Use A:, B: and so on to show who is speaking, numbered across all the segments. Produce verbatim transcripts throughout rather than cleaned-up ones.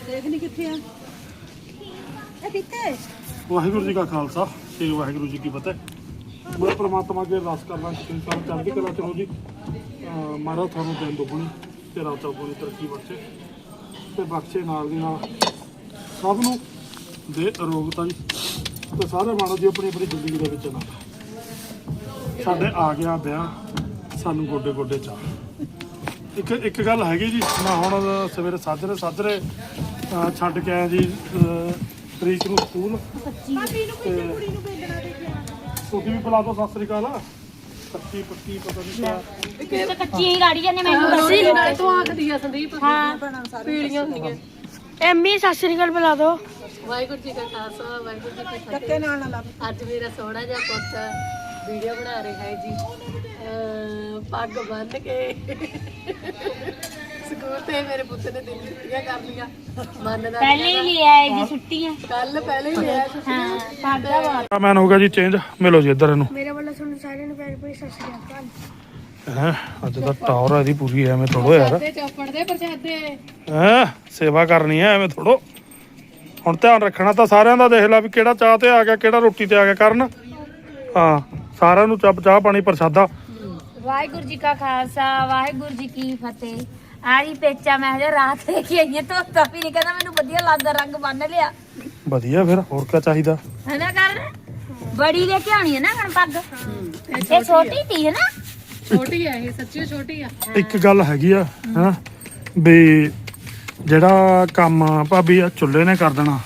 A: ਦੇਖ ਨਹੀਂ ਕਿੱਥੇ ਆ ਇਹ ਕਿੱਥੇ
B: ਵਾਹਿਗੁਰੂ ਜੀ ਕਾ ਖਾਲਸਾ ਤੇ ਵਾਹਿਗੁਰੂ ਜੀ ਕੀ ਫਤਿਹ। ਮੈਂ ਪ੍ਰਮਾਤਮਾ ਅੱਗੇ ਅਰਦਾਸ ਕਰਦਾ ਕਿ ਤੁਸੀਂ ਸਾਰੇ ਚੜ੍ਹਦੀ ਕਲਾ ਚ ਰਹੋ ਜੀ। ਮਹਾਰਾਜ ਤੁਹਾਨੂੰ ਦਿਨ ਦੁਗਣੀ ਤੇ ਰਾਤ ਚੌਗੁਣੀ ਤਰੱਕੀ ਬਖਸ਼ੇ ਤੇ ਬਖਸ਼ੇ ਨਾਲ ਦੀ ਨਾਲ ਸਭ ਨੂੰ ਦੇ ਅਰੋਗਤਾ ਜੀ ਤੇ ਸਾਰੇ ਮਾਣੋ ਜੀ ਆਪਣੀ ਆਪਣੀ ਜ਼ਿੰਦਗੀ ਦੇ ਵਿੱਚ ਨਾ ਸਾਡੇ ਆ ਗਿਆ ਵਿਆਹ ਸਾਨੂੰ ਗੋਡੇ ਗੋਡੇ ਚਾਹ। ਇੱਕ ਇੱਕ ਗੱਲ ਹੈਗੀ ਜੀ, ਮੈਂ ਹੁਣ ਸਵੇਰੇ ਸਾਜਰੇ ਸਾਜਰੇ ਛੱਡ ਕੇ ਆਇਆ ਜੀ ਤਰੀਕ ਨੂੰ ਸਕੂਲ। ਤੁਸੀਂ ਵੀ ਬੁਲਾ ਦੋ ਸਤਿ ਸ੍ਰੀ ਅਕਾਲ। ਕੱਚੀ ਪੱਕੀ ਪਤਾ ਨਹੀਂ ਕਿਆ
C: ਕੱਚੀ ਹੀ ਰਾੜੀ ਜਾਂਦੇ ਮੈਨੂੰ ਦੱਸੀ
D: ਨਾਲੇ ਤੋਂ ਆਖਦੀ ਆ ਸੰਦੀਪ ਹਾਂ ਪੀੜੀਆਂ ਹੁੰਦੀਆਂ।
C: ਐਮੀ ਸਤਿ ਸ੍ਰੀ ਅਕਾਲ ਬੁਲਾ ਦੋ।
D: ਵਾਹਿਗੁਰੂ ਜੀ ਕਾ ਖਾਲਸਾ ਵਾਹਿਗੁਰੂ ਜੀ ਕੀ
A: ਧੱਕੇ
D: ਫਤਿਹ।
A: ਨਾਲ ਨਾ ਲਾ
D: ਅੱਜ ਮੇਰਾ ਸੋਹਣਾ ਜਿਹਾ ਪੁੱਤ ਵੀਡੀਓ ਬਣਾ ਰਿਹਾ ਹੈ ਜੀ। ਅਹ ਪੱਗ ਬੰਨ੍ਹ ਕੇ ਸਕੂਲ ਤੇ ਮੇਰੇ ਪੁੱਤ ਨੇ ਦਿਨ ਛੁੱਟੀਆਂ ਕਰ ਲਈਆਂ। ਮੰਨਦਾ
C: ਪਹਿਲੇ ਹੀ ਲੈ ਆਏ ਜੀ ਛੁੱਟੀਆਂ।
D: ਕੱਲ ਪਹਿਲੇ ਹੀ ਲਿਆ ਛੁੱਟੀਆਂ।
C: ਹਾਂ ਸਾਡਾ ਵਾ
B: ਮੈਨ ਹੋ ਗਿਆ ਜੀ ਚੇਂਜ। ਮਿਲੋ ਜੀ ਇੱਧਰ ਇਹਨੂੰ।
C: ਮੇਰੇ ਵੱਲੋਂ ਤੁਹਾਨੂੰ ਸਾਰਿਆਂ ਨੂੰ ਪਿਆਰ ਭਰੀ ਸਤਿ ਸ੍ਰੀ ਅਕਾਲ।
B: ਹੈ ਅੱਜ ਤਾਂ ਟਾਵਰ ਇਹਦੀ ਪੂਰੀ ਐਵੇਂ ਥੋੜੋ ਯਾਰ।
D: ਪ੍ਰਸ਼ਾਦੇ ਚੌਪੜ ਦੇ ਪ੍ਰਸ਼ਾਦੇ
B: ਹੈ ਸੇਵਾ ਕਰਨੀ ਹੈ ਐਵੇਂ ਥੋੜੋ। ਹੁਣ ਧਿਆਨ ਰੱਖਣਾ ਤਾਂ ਸਾਰਿਆਂ ਦਾ। ਦੇਖ ਲੈ ਵੀ ਕਿਹੜਾ ਚਾਹ ਤੇ ਆ ਗਿਆ ਕਿਹੜਾ ਰੋਟੀ ਤੇ ਆ ਗਿਆ ਕਰਨ। ਹਾਂ ਸਾਰਿਆਂ ਨੂੰ ਚੱਪ ਚਾਹ ਪਾਣੀ ਪ੍ਰਸ਼ਾਦਾ।
C: ਵਾਹਿਗੁਰੂ ਜੀ ਕਾ ਖਾਲਸਾ ਵਾਹਿਗੁਰੂ ਜੀ ਕੀ ਫਤਿਹ। ਆਰੀ ਪੇਚਾ ਮੈਂ ਹਜੇ ਰਾਤ ਲੈ ਕੇ ਆਈ ਹਾਂ ਧੋਤਾ ਵੀ ਨਹੀਂ ਕਹਿੰਦਾ ਮੈਨੂੰ ਵਧੀਆ ਲੱਗਦਾ ਰੰਗ ਬੰਨ ਲਿਆ।
B: ਵਧੀਆ ਫਿਰ ਹੋਰ ਕੀ ਚਾਹੀਦਾ
C: ਹੈ ਨਾ ਕਰ ਬੜੀ ਲੈ ਕੇ ਆਉਣੀ ਹੈ ਨਾ ਹੁਣ ਪੱਗ। ਇਹ ਛੋਟੀ ਤੀ ਹੈ ਨਾ
D: ਛੋਟੀ ਆ ਇਹ ਸੱਚੀ ਛੋਟੀ ਆ।
B: ਇੱਕ ਗੱਲ ਹੈਗੀ ਆ ਹਾਂ ਵੀ ਜਿਹੜਾ ਕੰਮ ਭਾਬੀ ਆ ਚੁੱਲ੍ਹੇ ਨੇ ਕਰ ਦੇਣਾ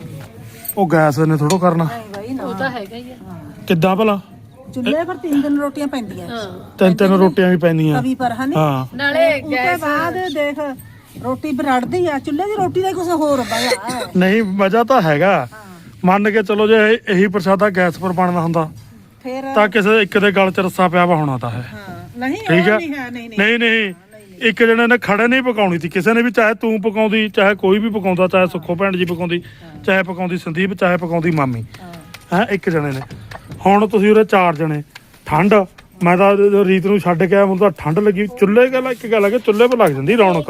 B: ਉਹ ਗੈਸ ਨੇ ਥੋੜੋ ਕਰਨਾ।
D: ਉਹ ਤਾਂ ਹੈਗਾ ਹੀ ਆ।
B: ਕਿੱਦਾਂ ਭਲਾ
A: ਚੁੱਲ੍ਹੇ ਪਰ ਤਿੰਨ ਦਿਨ ਰੋਟੀਆਂ ਪੈਂਦੀਆਂ
B: ਤਿੰਨ ਤਿੰਨ ਰੋਟੀਆਂ ਵੀ ਪੈਂਦੀਆਂ।
A: ਤਵੀ ਪਰ ਹਨੇ
B: ਹਾਂ
D: ਨਾਲੇ
A: ਉਹਦੇ ਬਾਅਦ ਦੇਖ ਰੋਟੀ ਬਰੜਦੀ ਆ ਚੁੱਲ੍ਹੇ ਦੀ ਰੋਟੀ ਦਾ ਕੁਝ ਹੋਰ ਬਾਇਆ
B: ਨਹੀਂ ਮਜ਼ਾ ਤਾਂ ਹੈਗਾ। ਮੰਨ ਕੇ ਚਲੋ ਜੇ ਇਹ- ਇਹੀ ਪ੍ਰਸ਼ਾਦਾ ਗੈਸ ਪਰ ਬਣਦਾ ਹੁੰਦਾ
A: ਫੇਰ
B: ਤਾਂ ਕਿਸੇ ਇੱਕ ਦੇ ਗਲ 'ਚ ਰੱਸਾ ਪਿਆ ਵਾ ਹੋਣਾ ਤਾਂ ਹੈ।
A: ਹਾਂ ਨਹੀਂ
B: ਠੀਕ
A: ਉਹ
B: ਆ
A: ਨਹੀਂ ਹੈ ਨਹੀਂ ਨਹੀਂ
B: ਨਹੀਂ ਨਹੀਂ ਇੱਕ ਜਣੇ ਨੇ ਖੜੇ ਨਹੀਂ ਪਕਾਉਣੀ ਸੀ ਕਿਸੇ ਨੇ ਵੀ। ਚਾਹੇ ਤੂੰ ਪਕਾਉਂਦੀ ਚਾਹੇ ਕੋਈ ਵੀ ਪਕਾਉਂਦਾ ਚਾਹੇ ਸੁੱਖੋ ਭੈਣ ਜੀ ਪਕਾਉਂਦੀ ਚਾਹੇ ਪਕਾਉਂਦੀ ਸੰਦੀਪ ਚਾਹੇ ਪਕਾਉਂਦੀ ਮਾਮੀ ਹੈ ਇੱਕ ਜਣੇ ਨੇ। ਹੁਣ ਤੁਸੀਂ ਉਰੇ ਚਾਰ ਜਣੇ ਠੰਡ ਮੈਂ ਤਾਂ ਰੀਤ ਨੂੰ ਛੱਡ ਕੇ ਆਇਆ ਮੈਨੂੰ ਤਾਂ ਠੰਡ ਲੱਗੀ। ਚੁੱਲ੍ਹੇ ਗੱਲ ਇੱਕ ਗੱਲ ਹੈ ਕਿ ਚੁੱਲ੍ਹੇ 'ਪਰ ਲੱਗ ਜਾਂਦੀ ਰੌਣਕ।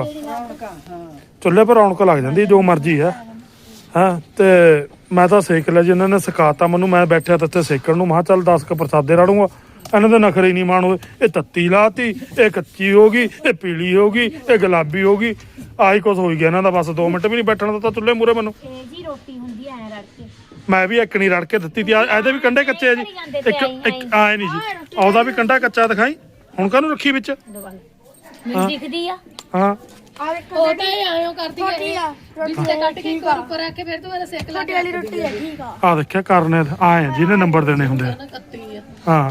B: ਚੁੱਲ੍ਹੇ 'ਪਰ ਰੌਣਕ ਲੱਗ ਜਾਂਦੀ ਜੋ ਮਰਜ਼ੀ ਹੈ ਹਾਂ। ਤੇ ਮੈਂ ਤਾਂ ਸੇਕ ਲਿਆ ਜੀ ਇਹਨਾਂ ਨੇ ਸਿਖਾਤਾ ਮੈਨੂੰ। ਮੈਂ ਬੈਠਿਆ ਤਾਂ ਇੱਥੇ ਸੇਕਣ ਨੂੰ ਮੈਂ ਕਿਹਾ ਚੱਲ ਦਸ ਕੁ ਪ੍ਰਸਾਦੇ ਰਾੜੂੰਗਾ। ਇਹਨਾਂ ਦੇ ਨਖਰੇ ਨਹੀਂ ਮਾਣ ਹੋਏ। ਇਹ ਤੱਤੀ ਲਾਤੀ ਇਹ ਕੱਚੀ ਹੋ ਗਈ ਇਹ ਪੀਲੀ ਹੋ ਗਈ ਇਹ ਗੁਲਾਬੀ ਹੋ ਗਈ। ਆਹੀ ਕੁਛ ਹੋਈ ਗਿਆ ਇਹਨਾਂ ਦਾ। ਬਸ ਦੋ ਮਿੰਟ ਵੀ ਨਹੀਂ ਬੈਠਣ ਦਿੱਤਾ ਚੁੱਲ੍ਹੇ ਮੂਹਰੇ ਮੈਨੂੰ।
C: ਇਹ ਜੀ ਰੋਟੀ ਹੁੰਦੀ ਐ ਰੜ ਕੇ
B: ਮੈਂ ਵੀ ਇੱਕ ਨਹੀਂ ਰੜ ਕੇ ਦਿੱਤੀ ਤੀ। ਇਹਦੇ ਵੀ ਕੰਡੇ ਕੱਚੇ ਆ ਜੀ। ਇੱਕ ਇੱਕ ਆਏ ਨਹੀਂ ਜੀ ਉਹਦਾ ਵੀ ਕੰਡਾ ਕੱਚਾ ਦਿਖਾਈ। ਹੁਣ ਕਾਹਨੂੰ ਰੱਖੀ ਵਿੱਚ
C: ਮੈਨੂੰ ਦਿਖਦੀ ਆ।
B: ਹਾਂ
D: ਉਹ ਤਾਂ ਇਹ ਆਇਓ ਕਰਦੀ ਹੈ ਇਹ ਜਿੱਥੇ ਕੱਟ ਕੇ ਇੱਕ ਵਾਰ ਉੱਪਰ ਆ ਕੇ ਫਿਰ ਤੂੰ ਇਹਦਾ ਸੇਕ ਲਾ ਕੇ ਵਾਲੀ ਰੋਟੀ ਹੈ ਠੀਕ ਆ।
B: ਆ ਦੇਖਿਆ ਕਰਨੇ ਆਏ ਆ ਜਿਹਨੇ ਨੰਬਰ ਦੇਣੇ ਹੁੰਦੇ ਆ।
D: ਕੱਤੀ ਆ
B: ਹਾਂ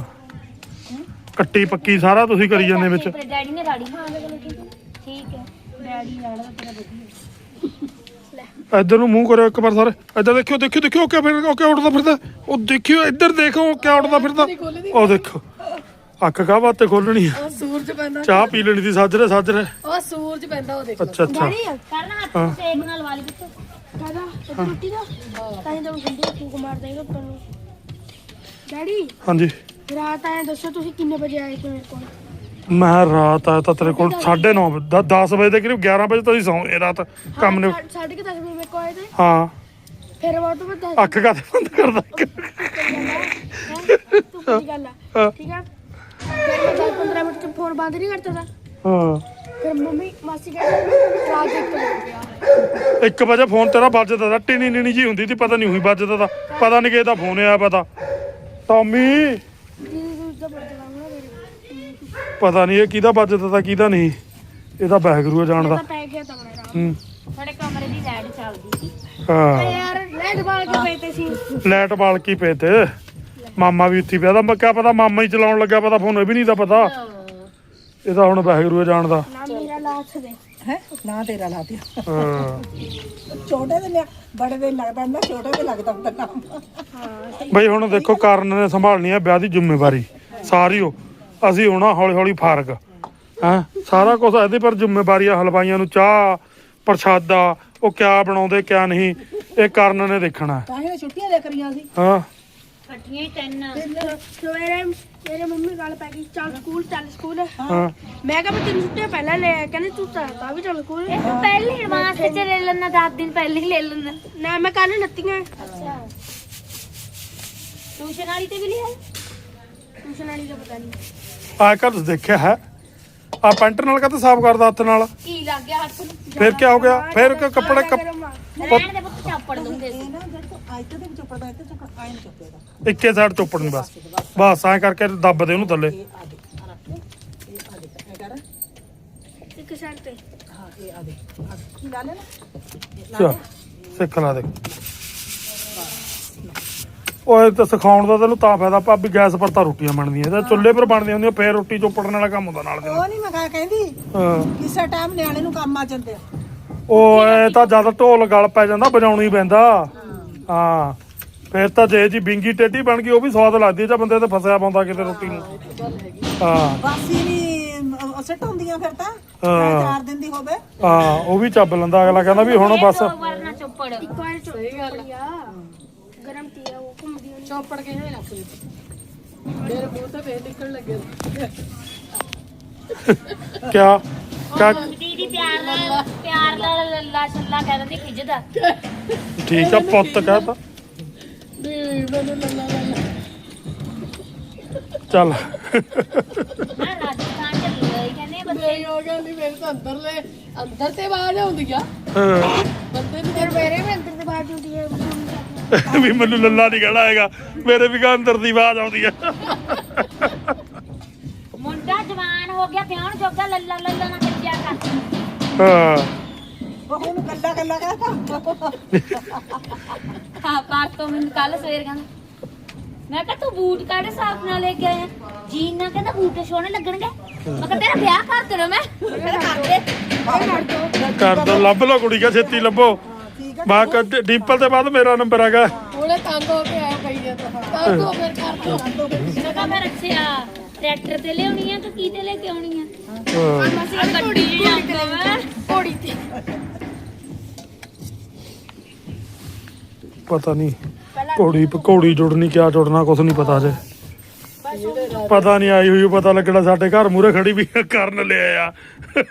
B: ਕੱਟੀ ਪੱਕੀ ਸਾਰਾ ਤੁਸੀਂ ਕਰੀ ਜਾਂਦੇ ਵਿੱਚ।
C: ਡੈਡੀ ਨੇ ਰਾੜੀ ਹਾਂ ਠੀਕ ਹੈ ਡੈਡੀ ਰਾੜਾ ਤੇਰਾ ਵਧੀਆ।
B: ਇੱਧਰ ਨੂੰ ਮੂੰਹ ਕਰਿਓ ਇੱਕ ਵਾਰ ਸਾਰੇ। ਇੱਧਰ ਦੇਖਿਓ ਦੇਖਿਓ ਦੇਖਿਓ ਕਿਆ ਫਿਰ ਉਹ ਕਿਆ ਉੱਡਦਾ ਫਿਰਦਾ। ਉਹ ਦੇਖਿਓ ਇੱਧਰ ਦੇਖੋ ਕਿਆ ਉੱਡਦਾ ਫਿਰਦਾ। ਉਹ ਦੇਖੋ ਅੱਖ ਕਾ ਬਾਤੇ ਖੋਲਣੀ ਆ।
D: ਉਹ ਸੂਰਜ ਪੈਂਦਾ
B: ਚਾਹ ਪੀ ਲੈਣੀ ਸੀ ਸਾਜਰੇ ਸਾਜਰੇ।
D: ਉਹ ਸੂਰਜ ਪੈਂਦਾ ਉਹ ਦੇਖ
B: ਅੱਛਾ ਅੱਛਾ
C: ਕਰਨਾ ਹੱਥ ਸੇਕ ਨਾਲ ਵਾਲੀ ਵਿੱਚ ਕਾਦਾ ਰੋਟੀ ਦਾ ਤਾਂ ਹੀ ਤਾਂ ਠੰਡੀ ਫੂਕ ਮਾਰ ਦੇਗਾ ਉੱਪਰ ਨੂੰ। ਡੈਡੀ
B: ਹਾਂਜੀ
C: ਰਾਤ ਆਏ ਦੱਸੋ ਤੁਸੀਂ ਕਿੰਨੇ ਵਜੇ ਆਏ ਸੀ ਮੇਰੇ ਕੋਲ।
B: ਮੈਂ ਰਾਤ ਆਇਆ ਤਾਂ ਤੇਰੇ ਕੋਲ ਸਾਢੇ ਨੌ ਦਸ ਵਜੇ ਦੇ ਕਰੀਬ ਗਿਆਰਾਂ ਵਜੇ ਤੁਸੀਂ ਸੌਂ ਇਹ ਰਾਤ ਕੰਮ ਨੇ।
C: ਸਾਢੇ ਕਿ ਦਸ ਵਜੇ ਮੇਰੇ ਕੋਲ ਆਏ ਤੇ
B: ਹਾਂ
C: ਫਿਰ ਉਹ ਤੋਂ ਬਾਅਦ
B: ਅੱਖ ਕਾਤੇ ਬੰਦ ਕਰਦਾ।
C: ਤੂੰ ਕੀ ਗੱਲ ਆ ਠੀਕ ਆ। ਫਿਰ ਮੈਂ ਦਸ ਪੰਦਰਾਂ ਮਿੰਟ ਚ ਫੋਨ ਬੰਦ ਨਹੀਂ ਕਰਤਾ ਤਾ।
B: ਹਾਂ
C: ਫਿਰ ਮੰਮੀ ਮਾਸੀ ਕਹਿੰਦੀ ਰਾਤ ਇੱਕ ਵਜੇ ਗਿਆ।
B: ਇੱਕ ਵਜੇ ਫੋਨ ਤੇਰਾ ਵੱਜਦਾ ਤਾ ਟੀਨੀ ਨੀਣੀ ਜੀ ਹੁੰਦੀ ਸੀ ਪਤਾ ਨਹੀਂ ਉਹੀ ਵੱਜਦਾ ਤਾ। ਪਤਾ ਨਹੀਂ ਕਿਹਦਾ ਫੋਨ ਆਇਆ ਪਤਾ ਟੌਮੀ
C: ਦੀਦੀ ਨੂੰ ਦਾ ਬਰਤਨ ਲਾਉਣਾ ਮੇਰੇ
B: ਪਤਾ ਨਹੀਂ ਇਹ ਕਿਹਦਾ ਵੱਜਦਾ ਤਾ ਕਿਹਦਾ ਨਹੀਂ। ਇਹਦਾ ਬੈਗਰੂ ਜਾਣਦਾ।
C: ਤਾਂ ਪੈ ਗਿਆ ਤਾਂ ਮੇਰਾ
B: ਹੂੰ
C: ਸਾਡੇ ਕਮਰੇ ਦੀ ਲਾਈਟ ਚੱਲਦੀ ਸੀ।
B: ਹਾਂ
C: ਯਾਰ ਲਾਈਟ ਬਾਲ ਕੇ ਪਏ ਤੇ ਸੀ।
B: ਲਾਈਟ ਬਾਲ ਕੀ ਪਏ ਤੇ ਮਾਮਾ ਵੀ ਉੱਥੇ ਪਿਆ ਤਾਂ ਮੈਂ ਕਿਹਾ ਪਤਾ ਮਾਮਾ ਹੀ ਚਲਾਉਣ ਲੱਗਾ ਪਤਾ ਫੋਨ ਇਹ ਵੀ ਨਹੀਂ ਤਾਂ ਪਤਾ। ਇਹਦਾ ਹੁਣ ਬੈਗਰੂ ਜਾਣਦਾ।
C: ਨਾ ਮੇਰਾ ਲਾਥ ਦੇ
A: ਹੈ ਨਾ ਤੇਰਾ ਲਾ ਦਿਆ
B: ਹਾਂ
A: ਛੋਟੇ ਦੇ ਲਿਆ ਬੜੇ ਦੇ ਲੱਗਦਾ ਨਾ ਛੋਟੇ ਤੇ ਲੱਗਦਾ ਹੁੰਦਾ ਕੰਮ।
B: ਬਈ ਹੁਣ ਦੇਖੋ ਕਾਰਨ ਨੇ ਸੰਭਾਲਣੀ ਹੈ ਵਿਆਹ ਦੀ ਜ਼ਿੰਮੇਵਾਰੀ ਸਾਰੀ। ਉਹ ਅਸੀਂ ਹੋਣਾ ਹੌਲੀ ਹੌਲੀ ਫਾਰਗ ਹੈਂ ਸਾਰਾ ਕੁਝ ਇਹਦੇ ਪਰ ਜ਼ਿੰਮੇਵਾਰੀ ਆ। ਹਲਵਾਈਆਂ ਨੂੰ ਚਾਹ ਪ੍ਰਸ਼ਾਦਾ ਉਹ ਕਿਆ ਬਣਾਉਂਦੇ ਕਿਆ ਨਹੀਂ ਇਹ ਕਾਰਨ ਨੇ ਦੇਖਣਾ।
A: ਤਾਂ ਹੀ ਛੁੱਟੀਆਂ ਦੇ ਕਰੀਆਂ ਸੀ।
B: ਹਾਂ
C: ਇਕੱਠੀਆਂ ਹੀ ਤਿੰਨ ਸਵੇਰੇ
E: ਮੇਰੇ ਮੰਮੀ ਗੱਲ ਪੈ ਗਈ ਚੱਲ ਸਕੂਲ ਚੱਲ ਸਕੂਲ
B: ਹਾਂ
E: ਮੈਂ ਕਿਹਾ ਮੈਂ ਤਿੰਨ ਛੁੱਟੀਆਂ ਪਹਿਲਾਂ ਲੈ ਆਇਆ ਕਹਿੰਦੇ ਤੂੰ ਤਾਂ ਤਾਂ ਵੀ ਚੱਲ ਸਕੂਲ
C: ਇਹ ਤੂੰ ਪਹਿਲੇ ਐਡਵਾਂਸ ਚ ਲੈ ਲੈਣਾ ਦਸ ਦਿਨ ਪਹਿਲੇ ਹੀ ਲੈ ਲੈਣਾ
E: ਨਾ ਮੈਂ ਕੱਲ ਨੱਤੀਆਂ
C: ਅੱਛਾ ਟਿਊਸ਼ਨ ਵਾਲੀ ਤੇ ਵੀ ਲਿਆ
E: ਟਿਊਸ਼ਨ ਵਾਲੀ ਦਾ ਪਤਾ ਨਹੀਂ
B: ਆ ਕਰ ਦੇਖਿਆ ਹੈ ਆ ਪੈਂਟ ਨਾਲ ਕਦੇ ਸਾਫ਼ ਕਰਦਾ ਹੱਥ ਨਾਲ
C: ਕੀ ਲੱਗ ਗਿਆ ਹੱਥ ਨੂੰ
B: ਫਿਰ ਕੀ ਹੋ ਗਿਆ ਫਿਰ ਕਿ ਕੱਪੜੇ ਕੱਪ
C: ਰਹਿਣ ਦੇ ਪੁੱਤ ਚਾਪੜ ਦੂੰਗੇ
A: ਇਹ ਨਾ ਜਦ ਤੂੰ ਆਇਤੇ ਦੇ ਵਿੱਚ ਉੱਪਰਦਾ ਇੱਥੇ ਚੱਕ ਆਇਨ ਚੱਪੇਗਾ
B: ਇੱਕੇ ਸਾਈਡ ਚੋਪੜ ਨਹੀਂ ਬਸ ਬਸ ਐਂ ਕਰਕੇ ਦੱਬ ਦੇ ਉਹਨੂੰ ਥੱਲੇ
A: ਇਹ ਆ ਦੇ ਆ ਰੱਖ ਇਹ ਆ ਦੇ ਇਹ ਕਰ
E: ਇੱਕ ਸਾਈਡ ਤੇ
A: ਹਾਂ ਇਹ ਆ ਦੇ ਆ ਦੇ। ਕੀ ਲਾ ਲੈ ਨਾ
B: ਚੱਲ ਸਿੱਖ ਲਾ ਦੇ ਓਏ ਤਾਂ ਸਿਖਾਉਣ ਦਾ ਤੈਨੂੰ ਤਾਂ ਫਾਇਦਾ ਭਾਬੀ ਗੈਸ ਪਰ ਤਾਂ ਰੋਟੀਆਂ ਬਣਦੀਆਂ ਤੇ ਚੁੱਲ੍ਹੇ ਪਰ ਬਣਦੀਆਂ ਹੁੰਦੀਆਂ ਫੇਰ ਰੋਟੀ ਚੋਪੜਨ ਵਾਲਾ ਕੰਮ ਹੁੰਦਾ ਨਾਲ ਦੇ
A: ਉਹ ਨਹੀਂ ਮੈਂ ਕਹਾ ਕਹਿੰਦੀ
B: ਹਾਂ
A: ਕਿਸੇ ਟਾਈਮ ਨਿਆਣੇ ਨੂੰ ਕੰਮ ਆ ਜਾਂਦੇ ਆ
B: ਉਹ ਇਹ ਤਾਂ ਜਦ ਢੋਲ ਗਲ ਪੈ ਜਾਂਦਾ ਵਜਾਉਣਾ ਹੀ ਪੈਂਦਾ ਹਾਂ ਫੇਰ ਤਾਂ ਜੇ ਜੀ ਬਿੰਗੀ ਟੇਢੀ ਬਣ ਗਈ ਉਹ ਵੀ ਸਵਾਦ ਲੱਗਦੀ ਜਾਂ ਬੰਦੇ ਤੇ ਫਸਿਆ ਪਾਉਂਦਾ ਕਿਤੇ ਰੋਟੀ ਨੂੰ ਹਾਂ
A: ਬਾਸੀ ਨਹੀਂ ਸੈੱਟ ਹੁੰਦੀਆਂ ਫਿਰ ਤਾਂ
B: ਹਾਂ।
A: ਚਾਰ ਦਿਨ ਦੀ ਹੋਵੇ
B: ਹਾਂ ਉਹ ਵੀ ਚੱਬ ਲੈਂਦਾ ਅਗਲਾ ਕਹਿੰਦਾ ਵੀ ਹੁਣ ਬਸ
C: ਵਰਨਾ ਚੋਪੜ
E: ਇੱਕ ਵਾਰ ਸਹੀ ਗੱਲ ਆ ਗਰਮ ਤੀ ਆ ਉਹ ਘੁੰਮਦੀ ਹੁੰਦੀ
D: ਚੌਪੜ ਕੇ ਹੀ ਰੱਖ ਲਈ ਮੇਰੇ ਮੂੰਹ ਤੇ ਫੇਰ ਨਿਕਲਣ ਲੱਗੇ
B: ਕਿਆ ਕਿਆ
C: ਦੀਦੀ ਪਿਆਰ ਨਾਲ ਪਿਆਰ ਨਾਲ ਲੱਲਾ ਛੱਲਾ ਕਹਿ ਦਿੰਦੀ ਖਿੱਚਦਾ
B: ਠੀਕ ਆ ਪੁੱਤ ਕਹਤਾ
D: ਨਹੀਂ ਮੈਨੂੰ ਲੱਲਾ ਲੱਲਾ
B: ਚੱਲ
C: ਮੈਂ ਰਾਜਸਥਾਨ ਚ ਲਈ ਕਹਿੰਦੇ ਬੱਚੇ
D: ਨਹੀਂ ਹੋ ਗਿਆ ਨਹੀਂ ਮੇਰੇ ਤਾਂ ਅੰਦਰਲੇ ਅੰਦਰ ਤੇ ਆਵਾਜ਼ ਆਉਂਦੀ ਆ
B: ਹਾਂ।
D: ਬੰਦੇ ਨੂੰ
E: ਫਿਰ ਮੇਰੇ ਵੀ ਅੰਦਰ ਦੀ ਬਾਤ ਹੁੰਦੀ ਹੈ
B: ਵੀ ਮੈਨੂੰ ਲੱਲਾ ਨਹੀਂ ਕਹਿਣਾ ਹੈਗਾ ਮੇਰੇ ਵੀ ਗਾ ਅੰਦਰ ਦੀ ਆਵਾਜ਼ ਆਉਂਦੀ ਆ
C: ਮੁੰਡਾ ਜਵਾਨ ਹੋ ਗਿਆ ਪਿਆਉਣ ਜੋਗਾ ਲੱਲਾ ਲੱਲਾ ਨਾ ਕੱਜਿਆ ਕਰ
B: ਹਾਂ
A: ਉਹ ਉਹਨੂੰ ਕੱਲਾ ਕੱਲਾ ਕਹਤਾ
C: ਹਾਂ ਪਾਕ ਤੋਂ ਮੈਨੂੰ ਕੱਲ ਸਵੇਰ ਕਹਿੰਦਾ ਮੈਂ ਕਿਹਾ ਤੂੰ ਬੂਟ ਕਾੜੇ ਸਾਫ ਨਾਲ ਲੈ ਕੇ ਆਇਆ ਜੀਨ ਨਾ ਕਹਿੰਦਾ ਬੂਟ ਸੋਹਣੇ ਲੱਗਣਗੇ ਮੈਂ ਕਿਹਾ ਤੇਰਾ ਵਿਆਹ ਕਰ ਦੇਣਾ ਮੈਂ ਮੈਂ ਕਿਹਾ ਕਰ ਦੇ
B: ਕਰ ਦੋ ਲੱਭ ਲੋ ਕੁੜੀ ਕਾ ਛੇਤੀ ਲੱਭੋ ਬਾ ਡਿੰਪਲ ਦੇ ਬਾਅਦ ਮੇਰਾ ਨੰਬਰ ਹੈਗਾ
D: ਉਹਨੇ ਤੰਗ ਹੋ ਕੇ ਆਇਆ ਪਈ ਆ ਤਾਂ ਕਰ ਦੋ ਫਿਰ ਕਰ ਦੋ
C: ਮੈਂ ਕਿਹਾ ਮੈਂ ਰੱਖਿਆ ਟਰੈਕਟਰ ਤੇ ਲਿਆਉਣੀ ਆ ਕਿ ਕੀ ਤੇ ਲੈ ਕੇ ਆਉਣੀ ਆ
B: ਹਾਂ।
C: ਅਸੀਂ ਗੱਡੀ ਚ ਜਾਂਦਾ ਵਾ
E: ਘੋੜੀ ਤੇ
B: ਪਤਾ ਨਹੀਂ ਘੋੜੀ ਘੋੜੀ ਜੁੜਨੀ ਕਿਆ ਜੁੜਨਾ ਕੁਛ ਨਹੀਂ ਪਤਾ ਜੇ ਪਤਾ ਨਹੀਂ ਆਈ ਹੋਈ ਪਤਾ ਲੱਗਣਾ ਸਾਡੇ ਘਰ ਮੂਰੇ ਖੜੀ ਵੀ ਕਰਨ ਲਿਆ ਆ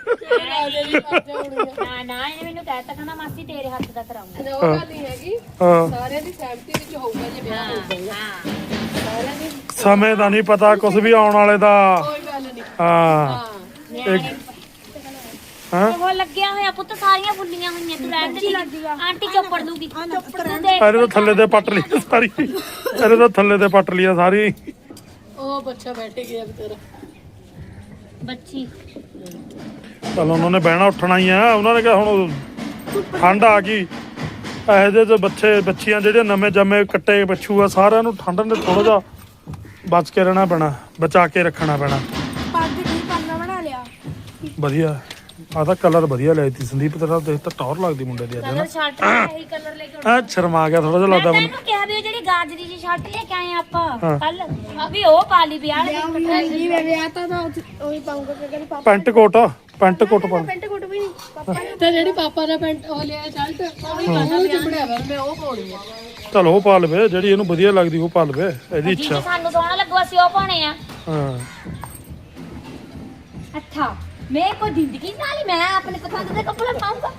C: ਨਾ ਨਾ ਇਹਨੇ ਮੈਨੂੰ ਕਹਿ ਤਾ ਕਹਿੰਦਾ ਮਾਸੀ ਤੇਰੇ ਹੱਥ ਦਾ ਕਰਾਉਂਗਾ
D: ਉਹ ਗੱਲ ਨਹੀਂ ਹੈਗੀ
B: ਹਾਂ
D: ਸਾਰਿਆਂ ਦੀ ਸਹਿਮਤੀ ਵਿੱਚ ਹੋਊਗਾ ਜੇ ਵਿਆਹ ਹੋਊਗਾ
C: ਹਾਂ
D: ਸਾਰਿਆਂ ਦੀ
B: ਸਮੇਂ ਦਾ ਨਹੀਂ ਪਤਾ ਕੁਛ ਵੀ ਆਉਣ ਵਾਲੇ ਦਾ
D: ਕੋਈ ਗੱਲ ਨਹੀਂ
B: ਹਾਂ
D: ਹਾਂ
C: ਨਿਆਣੇ
B: ਹਾਂ
C: ਉਹ ਲੱਗਿਆ ਹੋਇਆ ਪੁੱਤ ਸਾਰੀਆਂ ਫੁੱਲੀਆਂ ਹੋਈਆਂ ਤੂੰ ਰਹਿਣ ਦੇ ਆਂਟੀ ਚੋਪੜ ਦੂਗੀ ਤੂੰ ਦੇਖ
B: ਇਹਦੇ ਤਾਂ ਥੱਲੇ ਤੇ ਪੱਟ ਲਈ ਸਾਰੀ ਇਹਦੇ ਤਾਂ ਥੱਲੇ ਤੇ ਪੱਟ ਲਈ ਸਾਰੀ
D: ਉਹ ਬੱਚਾ ਬੈਠ ਗਿਆ ਵਿਚਾਰਾ
C: ਬੱਚੀ
B: ਚਲ ਉਹਨਾਂ ਨੇ ਬਹਿਣਾ ਉੱਠਣਾ ਹੀ ਆ ਉਹਨਾਂ ਨੇ ਕਿਹਾ ਹੁਣ ਠੰਡ ਆ ਗਈ ਇਹੋ ਜਿਹੇ ਚ ਬੱਚੇ ਬੱਚੀਆਂ ਜਿਹੜੇ ਨਵੇਂ ਜੰਮੇ ਕੱਟੇ ਬੱਛੂ ਆ ਸਾਰਿਆਂ ਨੂੰ ਠੰਡ ਨੇ ਥੋੜਾ ਜਿਹਾ ਬਚ ਕੇ ਰਹਿਣਾ ਪੈਣਾ ਬਚਾ ਕੇ ਰੱਖਣਾ ਪੈਣਾ
E: ਪੱਗ ਠੀਕ ਕਰਨਾ ਬਣਾ ਲਿਆ
B: ਵਧੀਆ ਆਹ ਤਾਂ ਕਲਰ ਵਧੀਆ ਲਿਆ ਤੀ ਸੰਦੀਪ ਤੇਰਾ ਦੇਖ ਤਾਂ ਟੌਰ ਲੱਗਦੀ ਮੁੰਡੇ ਦੀ ਅੱਜ
C: ਕਲਰ
B: ਨਾ
C: ਸ਼ਰਟ ਇਹੀ ਕਲਰ ਲੈ ਕੇ ਆਉਣਾ।
B: ਆ ਸ਼ਰਮਾ ਗਿਆ ਥੋੜਾ ਜਿਹਾ
C: ਮੈਂ
B: ਲੱਗਦਾ ਮੈਨੂੰ
C: ਤੈਨੂੰ ਕਿਹਾ ਵੀ ਉਹ ਜਿਹੜੀ ਗਾਜਰੀ ਜੀ ਸ਼ਰਟ ਲੈ ਕੇ ਆਏ ਆਪਾਂ
B: ਹਾਂ।
C: ਕੱਲ ਵੀ ਉਹ ਪਾ ਲਈ ਵਿਆਹ ਵਾਲੀ
E: ਜੀ ਮੈਂ ਵਿਆਹ ਤਾਂ ਤਾਂ ਉਹੀ ਪਾਉਂਗਾ ਕਿ ਕਹਿੰਦੀ ਪਾਪਾ
B: ਪੈਂਟ ਕੋਟ ਪੈਂਟ ਕੋਟ ਪਾ
E: ਪੈਂਟ ਕੋਟ ਵੀ ਨਹੀਂ ਪਾਪਾ ਨੇ
D: ਤੇ ਜਿਹੜੀ ਪਾਪਾ ਦਾ ਪੈਂਟ ਉਹ ਲਿਆ ਸ਼ਰਟ ਉਹ ਵੀ ਪਾਣਾ ਚੁੰਬੜਿਆ ਵਾ ਮੈਂ ਉਹ ਪਾਉਣੀ ਆ
B: ਚਲ ਉਹ ਪਾ ਲਵੇ ਜਿਹੜੀ ਇਹਨੂੰ ਵਧੀਆ ਲੱਗਦੀ ਉਹ ਪਾ ਲਵੇ ਇਹਦੀ
C: ਜੀ
B: ਇੱਛਾ
C: ਸਾਨੂੰ ਸੋਹਣਾ ਲੱਗੂ ਅਸੀਂ ਉਹ ਪਾਉਣੇ ਆ
B: ਹਾਂ
C: ਅੱਛਾ ਮੈਂ ਕੋਈ ਜ਼ਿੰਦਗੀ ਨਾਲ ਹੀ ਮੈਂ ਆਪਣੇ ਪਸੰਦ ਦੇ ਕੱਪੜੇ ਪਾਉਂਗਾ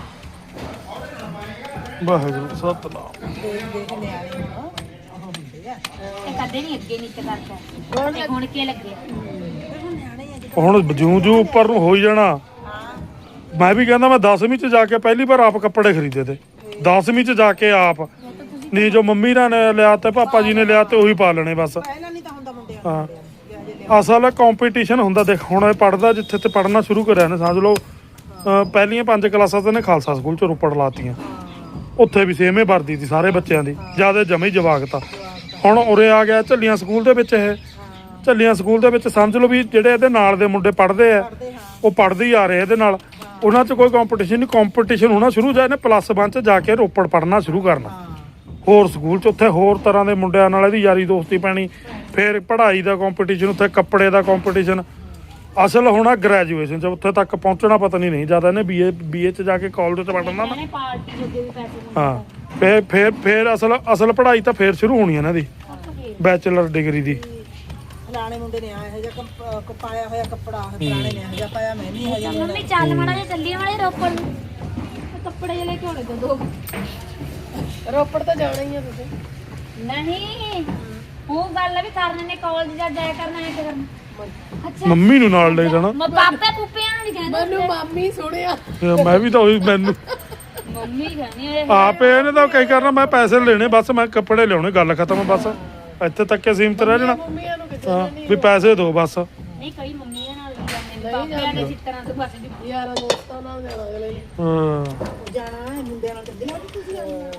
B: ਵਾਹਿਗੁਰੂ ਸਤਨਾਮ
A: ਦੇਖ ਦੇਖ ਨਿਆਣੇ ਹੁਣ ਉਹ ਹੁੰਦੇ ਆ
C: ਇਹ ਕਦੇ ਨਹੀਂ ਅੱਗੇ ਨੀਚੇ ਕਰਦਾ ਤੇ ਹੁਣ ਕੀ ਲੱਗੇ
B: ਹੁਣ ਜੂ ਜੂ ਉੱਪਰ ਨੂੰ ਹੋ ਹੀ ਜਾਣਾ ਮੈਂ ਵੀ ਕਹਿੰਦਾ ਮੈਂ ਦਸਵੀਂ ਚ ਜਾ ਕੇ ਪਹਿਲੀ ਵਾਰ ਆਪ ਕੱਪੜੇ ਖਰੀਦੇ ਤੇ ਦਸਵੀਂ ਚ ਜਾ ਕੇ ਆਪ ਨਹੀਂ ਜੋ ਮੰਮੀ ਨੇ ਲਿਆ ਤੇ ਪਾਪਾ ਜੀ ਨੇ ਲਿਆ ਤੇ ਉਹੀ ਪਾ ਲੈਣੇ ਬਸ
A: ਪਹਿਲਾਂ ਨਹੀਂ ਤਾਂ ਹੁੰਦਾ ਮੁੰਡਿਆਂ
B: ਹਾਂ ਅਸਲ ਕੰਪੀਟੀਸ਼ਨ ਹੁੰਦਾ ਦੇਖ ਹੁਣ ਇਹ ਪੜਦਾ ਜਿੱਥੇ ਤੇ ਪੜਨਾ ਸ਼ੁਰੂ ਕਰਿਆ ਨੇ ਸਮਝ ਲਓ ਅਹ ਪਹਿਲੀਆਂ ਪੰਜ ਕਲਾਸਾਂ ਤੇ ਨੇ ਖਾਲਸਾ ਸਕੂਲ ਚ ਰੋਪੜ ਲਾਤੀਆਂ ਉੱਥੇ ਵੀ ਸੇਮੇ ਵਰਦੀ ਸੀ ਸਾਰੇ ਬੱਚਿਆਂ ਦੀ ਜਿਆਦਾ ਜਮੇ ਹੀ ਜਵਾਕਤਾ ਹੁਣ ਉਰੇ ਆ ਗਿਆ ਝੱਲੀਆਂ ਸਕੂਲ ਦੇ ਵਿੱਚ ਇਹ ਝੱਲੀਆਂ ਸਕੂਲ ਦੇ ਵਿੱਚ ਸਮਝ ਲਓ ਵੀ ਜਿਹੜੇ ਇਹਦੇ ਨਾਲ ਦੇ ਮੁੰਡੇ ਪੜ੍ਹਦੇ ਆ ਉਹ ਪੜ੍ਹਦੇ ਹੀ ਆ ਰਹੇ ਇਹਦੇ ਨਾਲ ਉਹਨਾਂ 'ਚ ਕੋਈ ਕੰਪੀਟੀਸ਼ਨ ਨਹੀਂ ਕੰਪੀਟੀਸ਼ਨ ਹੋਣਾ ਸ਼ੁਰੂ ਜਾ ਇਹਨੇ ਪਲੱਸ ਵਨ 'ਚ ਜਾ ਕੇ ਰੋਪੜ ਪੜ੍ਹਨਾ ਸ਼ੁਰੂ ਕਰਨਾ ਹੋਰ ਸਕੂਲ 'ਚ ਉੱਥੇ ਹੋਰ ਤਰ੍ਹਾਂ ਦੇ ਮੁੰਡਿਆਂ ਨਾਲ ਇਹਦੀ ਯਾਰੀ ਦੋਸਤੀ ਪੈਣੀ ਫਿਰ ਪੜ੍ਹਾਈ ਦਾ ਕੰਪੀਟੀਸ਼ਨ ਉੱਥੇ ਕੱਪੜੇ ਦਾ ਕੰਪੀਟੀਸ਼ਨ ਅਸਲ ਹੋਣਾ ਗ੍ਰੈਜੂਏਸ਼ਨ 'ਚ ਉੱਥੇ ਤੱਕ ਪਹੁੰਚਣਾ ਪਤਾ ਨਹੀਂ ਨਹੀਂ ਜ਼ਿਆਦਾ ਇਹਨੇ ਬੀਏ ਬੀਏ 'ਚ ਜਾ ਕੇ ਕਾਲਜ 'ਚ ਪੜ੍ਹਨਾ ਨਾ
C: ਇਹਨੇ ਪਾਰਟੀ ਜੋਗੇ ਵੀ ਪੈਸੇ
B: ਹਾਂ ਫਿਰ ਫਿਰ ਫਿਰ ਅਸਲ ਅਸਲ ਪੜ੍ਹਾਈ ਤਾਂ ਫਿਰ ਸ਼ੁਰੂ ਹੋਣੀ ਇਹਨਾਂ ਦੀ ਬੈਚਲਰ ਡਿਗਰੀ ਦੀ
A: ਫਲਾਣੇ ਮੁੰਡੇ ਨੇ ਆ ਇਹੋ ਜਿਹਾ ਕੱਪ- ਕ- ਪਾਇਆ ਹੋਇਆ ਕੱਪੜਾ ਫਲਾਣੇ ਨੇ ਇਹੋ ਜਿਹਾ ਪਾਇਆ ਮੈਂ ਵੀ ਇਹੋ ਜਿਹਾ ਲੈਣਾ।
C: ਮੰਮੀ ਚੱਲ ਮਾੜਾ ਜਿਹਾ ਚੱਲੀਏ ਮਾੜੇ ਰੋਪੜ ਨੂੰ
D: ਕੱਪੜੇ ਜਿਹੇ ਲੈ ਕੇ ਆਉਣੇ ਦੋ ਰੋਪੜ ਤਾਂ ਜਾਣਾ ਹੀ ਆ ਤੁਸੀਂ
C: ਨਹੀਂ ਉਹ ਗੱਲ ਆ ਵੀ ਕਰਨ ਨੇ ਕਾਲਜ ਜਾ ਜਾਇਆ ਕਰਨਾ ਹੈ ਕਰਨਾ ਅੱਛਾ
B: ਮੰਮੀ ਨੂੰ ਨਾਲ ਲੈ ਜਾਣਾ।
C: ਮੈਂ ਪਾਪੇ ਪੁੱਪਿਆਂ ਨੂੰ ਨਹੀਂ ਕਹਿੰਦਾ
D: ਮੈਨੂੰ ਮਾਮੀ ਸੁਣਿਆ
B: ਇਹ ਮੈਂ ਵੀ ਤਾਂ ਉਹੀ ਮੈਨੂੰ
C: ਮੰਮੀ ਕਹਿੰਦੀ ਇਹ
B: ਆਪੇ ਇਹਨੇ ਤਾਂ ਕਈ ਕਰਨਾ ਮੈਂ ਪੈਸੇ ਲੈਣੇ ਬਸ ਮੈਂ ਕੱਪੜੇ ਲਿਆਉਣੇ ਗੱਲ ਖਤਮ ਬਸ ਇੱਥੇ ਤੱਕ ਹੀ ਸੀਮਤ ਰਹਿ ਜਾਣਾ।
D: ਮੰਮੀਆਂ ਨੂੰ ਕਿਤੇ
B: ਹਾਂ ਵੀ ਪੈਸੇ ਦਿਓ ਬਸ।
C: ਨਹੀਂ ਕਈ ਮੰਮੀਆਂ ਨਾਲ ਵੀ ਜਾਂਦੇ ਨੇ ਪਾਪਿਆਂ ਦੇ ਚਿੱਤਰਾਂ ਤੋਂ ਬਸ ਦੀ
D: ਯਾਰਾਂ ਦੋਸਤਾਂ ਨਾਲ ਜਾਣਾ ਅਗਲੇ ਨੇ
B: ਹਾਂ
A: ਜਾਣਾ ਹੈ ਮੁੰਡਿਆਂ ਨਾਲ ਚੱਲੇ ਅੱਜ ਤੁਸੀਂ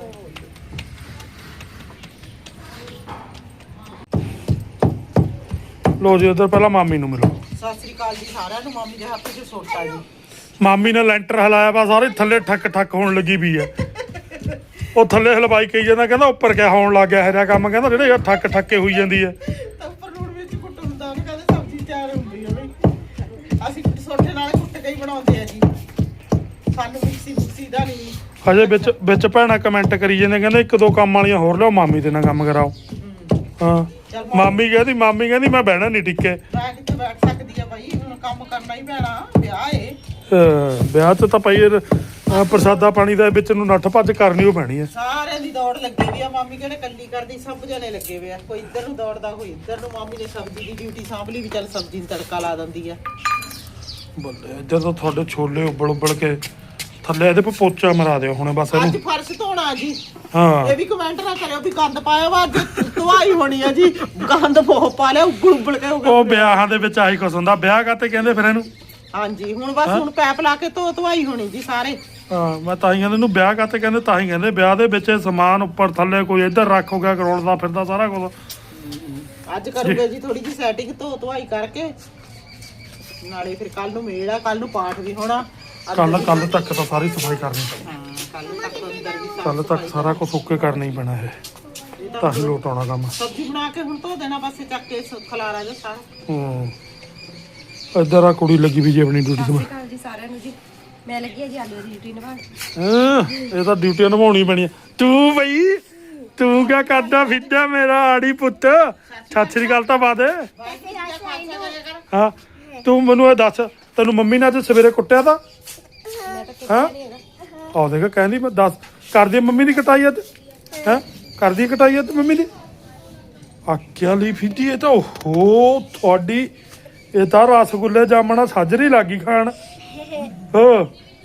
B: ਲੋ ਜੀ ਉਧਰ ਪਹਿਲਾਂ ਮਾਮੀ ਨੂੰ ਮਿਲੋ।
A: ਸਤਿ ਸ੍ਰੀ ਅਕਾਲ ਜੀ ਸਾਰਿਆਂ ਨੂੰ। ਮਾਮੀ ਦੇ ਹੱਥ 'ਚ ਸੋਟਾ ਜੀ।
B: ਮਾਮੀ ਨੇ ਲੈਂਟਰ ਹਲਾਇਆ ਵਾ ਸਾਰੇ ਥੱਲੇ ਠੱਕ ਠੱਕ ਹੋਣ ਲੱਗੀ ਵੀ ਹੈ। ਉਹ ਥੱਲੇ ਹਲਵਾਈ ਕਹੀ ਜਾਂਦਾ ਕਹਿੰਦਾ ਉੱਪਰ ਕਿਆ ਹੋਣ ਲੱਗ ਗਿਆ ਇਹਦਾ ਕੰਮ ਕਹਿੰਦਾ ਜਿਹੜੇ ਯਾਰ ਠੱਕ ਠੱਕੇ ਹੋਈ ਜਾਂਦੀ ਹੈ।
A: ਤਾਂ ਉੱਪਰ ਲੂਣ ਵਿੱਚ ਕੁੱਟ ਹੁੰਦਾ ਉਹਨੇ ਕਹਿੰਦੇ ਸਬਜ਼ੀ ਤਿਆਰ ਹੁੰਦੀ ਹੈ ਬਈ। ਅਸੀਂ ਸੋਟੇ ਨਾਲ ਕੁੱਟ ਕੇ ਹੀ ਬਣਾਉਂਦੇ ਆ ਜੀ। ਸਾਨੂੰ ਮਿਕਸੀ ਮੁਕਸੀ ਦਾ ਨਹੀਂ।
B: ਹਜੇ ਵਿੱਚ ਵਿੱਚ ਭੈਣਾਂ ਕਮੈਂਟ ਕਰੀ ਜਾਂਦੇ ਕਹਿੰਦੇ ਇੱਕ ਦੋ ਕੰਮ ਵਾਲੀਆਂ ਹੋਰ ਲਿਆਓ ਮਾਮੀ ਤੇ ਨਾਲ ਕੰਮ ਕਰਾਓ। ਹਾਂ ਮਾਮੀ ਕਹਿੰਦੀ ਮਾਮੀ ਕਹਿੰਦੀ ਮੈਂ ਬਹਿਣਾ ਨਹੀਂ ਟਿੱਕੇ।
A: ਮੈਂ ਕਿੱਥੇ ਬੈਠ ਸਕਦੀ ਆ ਬਾਈ ਹੁਣ ਕੰਮ ਕਰਨਾ ਹੀ ਪੈਣਾ ਵਿਆਹ ਏ।
B: ਅਹ ਵਿਆਹ 'ਚ ਤਾਂ ਭਾਈ ਅਹ ਪ੍ਰਸਾਦਾ ਪਾਣੀ ਦਾ ਵਿੱਚ ਨੂੰ ਨੱਠ ਭੱਜ ਕਰਨੀ ਉਹ ਪੈਣੀ ਹੈ।
A: ਸਾਰਿਆਂ ਦੀ ਦੌੜ ਲੱਗੀ ਵੀ ਆ। ਮਾਮੀ ਕਹਿੰਦੇ ਕੱਲੀ ਕਰਦੀ ਸਭ ਜਣੇ ਲੱਗੇ ਵੇ ਆ। ਕੋਈ ਇੱਧਰ ਨੂੰ ਦੌੜਦਾ ਕੋਈ ਇੱਧਰ ਨੂੰ। ਮਾਮੀ ਨੇ ਸਬਜ਼ੀ ਦੀ ਡਿਊਟੀ ਸਾਂਭ ਲਈ ਵੀ ਚੱਲ ਸਬਜ਼ੀ ਨੂੰ ਤੜਕਾ ਲਾ ਦਿੰਦੀ ਆ।
B: ਬੱਲੇ ਇੱਧਰ ਤਾਂ ਤੁਹਾਡੇ ਛੋਲੇ ਉਬਲ ਉਬਲ ਕੇ ਥੱਲੇ ਇਹਦੇ ਪੇ ਪੋਚਾ ਮਰਾ ਦਿਓ ਹੁਣੇ ਬਸ
A: ਅੱਜ
B: ਇਹਨੂੰ।
A: ਫਰਸ਼ ਧੋਣਾ ਜੀ।
B: ਹਾਂ
A: ਇਹ ਵੀ ਕਮੈਂਟ ਨਾ ਕਰਿਓ ਵੀ ਗੰਦ ਪਾਇਆ ਵਾ ਅੱਜ ਧਵਾਈ ਹੋਣੀ ਆ ਜੀ। ਗੰਦ ਬਹੁਤ ਪਾ ਲਿਆ ਉਗਲ ਉਗਲ ਕੇ ਹੋ ਗਿਆ।
B: ਉਹ ਵਿਆਹਾਂ ਦੇ ਵਿੱਚ ਆਹੀ ਕੁਛ ਹੁੰਦਾ। ਵਿਆਹ ਕਾਤੇ ਕਹਿੰਦੇ ਫਿਰ ਇਹਨੂੰ।
A: ਹਾਂਜੀ ਹੁਣ ਬਸ ਹੁਣ ਪੈਪ ਲਾ ਕੇ ਧੋ ਧਵਾਈ ਹੋਣੀ ਜੀ ਸਾਰੇ।
B: ਹਾਂ ਮੈਂ ਤਾਂ ਹੀ ਕਹਿੰਦੇ ਇਹਨੂੰ ਵਿਆਹ ਕਾਤੇ ਕਹਿੰਦੇ ਤਾਂ ਹੀ ਕਹਿੰਦੇ ਵਿਆਹ ਦੇ ਵਿੱਚ ਸਮਾਨ ਉੱਪਰ ਥੱਲੇ ਕੋਈ ਇੱਧਰ ਰੱਖ ਹੋ ਗਿਆ ਕਰੋੜਦਾ ਫਿਰਦਾ ਸਾਰਾ ਕੁਝ।
A: ਅੱਜ ਕਰੂਗੇ ਜੀ ਥੋੜੀ ਜੀ ਸੈਟਿੰਗ ਧੋ ਧਵਾਈ ਕਰਕੇ ਨਾਲੇ ਫਿਰ ਕੱਲ ਨੂੰ ਮੇਲ ਆ। ਕੱਲ ਨੂੰ ਪਾਠ ਵੀ ਹੋਣਾ।
B: ਕੱਲ ਕੱਲ ਤੱਕ ਤਾਂ ਸਾਰੀ ਸਫਾਈ ਕਰਨੀ ਪੈਣੀ।
A: ਹਾਂ ਕੱਲ ਤੱਕ ਅੰਦਰ ਵੀ ਸਾਫ਼
B: ਕੱਲ ਤੱਕ ਸਾਰਾ ਕੁਝ ਓਕੇ ਕਰਨਾ ਹੀ ਪੈਣਾ ਇਹ ਤਾਂ ਹੀ ਲੋਟ ਆਉਣਾ ਕੰਮ।
A: ਸਬਜ਼ੀ ਬਣਾ ਕੇ ਹੁਣ ਧੋ ਦੇਣਾ ਬਸ ਚੱਕ ਕੇ ਸ- ਖਲਾਰਾ ਜਾ ਸਾਰਾ।
B: ਹੂੰ ਇੱਧਰ ਆ ਕੁੜੀ ਲੱਗੀ ਵੀ ਜੀ ਆਪਣੀ ਡਿਊਟੀ ਤੇ।
D: ਕਾਲ ਜੀ ਸਾਰਿਆਂ ਨੂੰ ਜੀ ਮੈਂ ਲੱਗੀ ਆ ਜੀ ਆਲੂ ਦੀ ਡਿਊਟੀ ਨਿਭਾਉਣ।
B: ਹਾਂ ਇਹ ਤਾਂ ਡਿਊਟੀ ਨਿਭਾਉਣੀ ਪੈਣੀ ਹੈ। ਤੂੰ ਬਈ ਤੂੰ ਕਿਆ ਕਰਦਾ ਫਿਰਦਾ ਮੇਰਾ ਆੜੀ ਪੁੱਤ। ਸਤਿ ਸ੍ਰੀ ਅਕਾਲ ਤਾਂ ਬਾਦ ਹਾਂ ਤੂੰ ਮੈਨੂੰ ਇਹ ਦੱਸ ਤੈਨੂੰ ਮੰਮੀ ਨੇ ਅੱਜ ਸਵੇਰੇ ਕੁੱਟਿਆ ਤਾਂ ਹਾਂ ਆਹ ਦੇਖ ਕਹਿੰਦੀ ਮੈਂ ਦੱਸ ਕਰਦੀ ਮੰਮੀ ਦੀ ਕਟਾਈ ਅੱਜ ਹੈ ਕਰਦੀ ਕਟਾਈ ਅੱਜ ਮੰਮੀ ਦੀ ਆਕਿਆ ਲਈ ਫਿੱਦੀ ਇਹ ਤਾਂ ਓਹੋ ਤੁਹਾਡੀ ਇਹ ਤਾਂ ਰਸਗੁੱਲੇ ਜਾਮਣਾ ਸਾਜਰੀ ਲੱਗੀ ਖਾਣ ਹੋ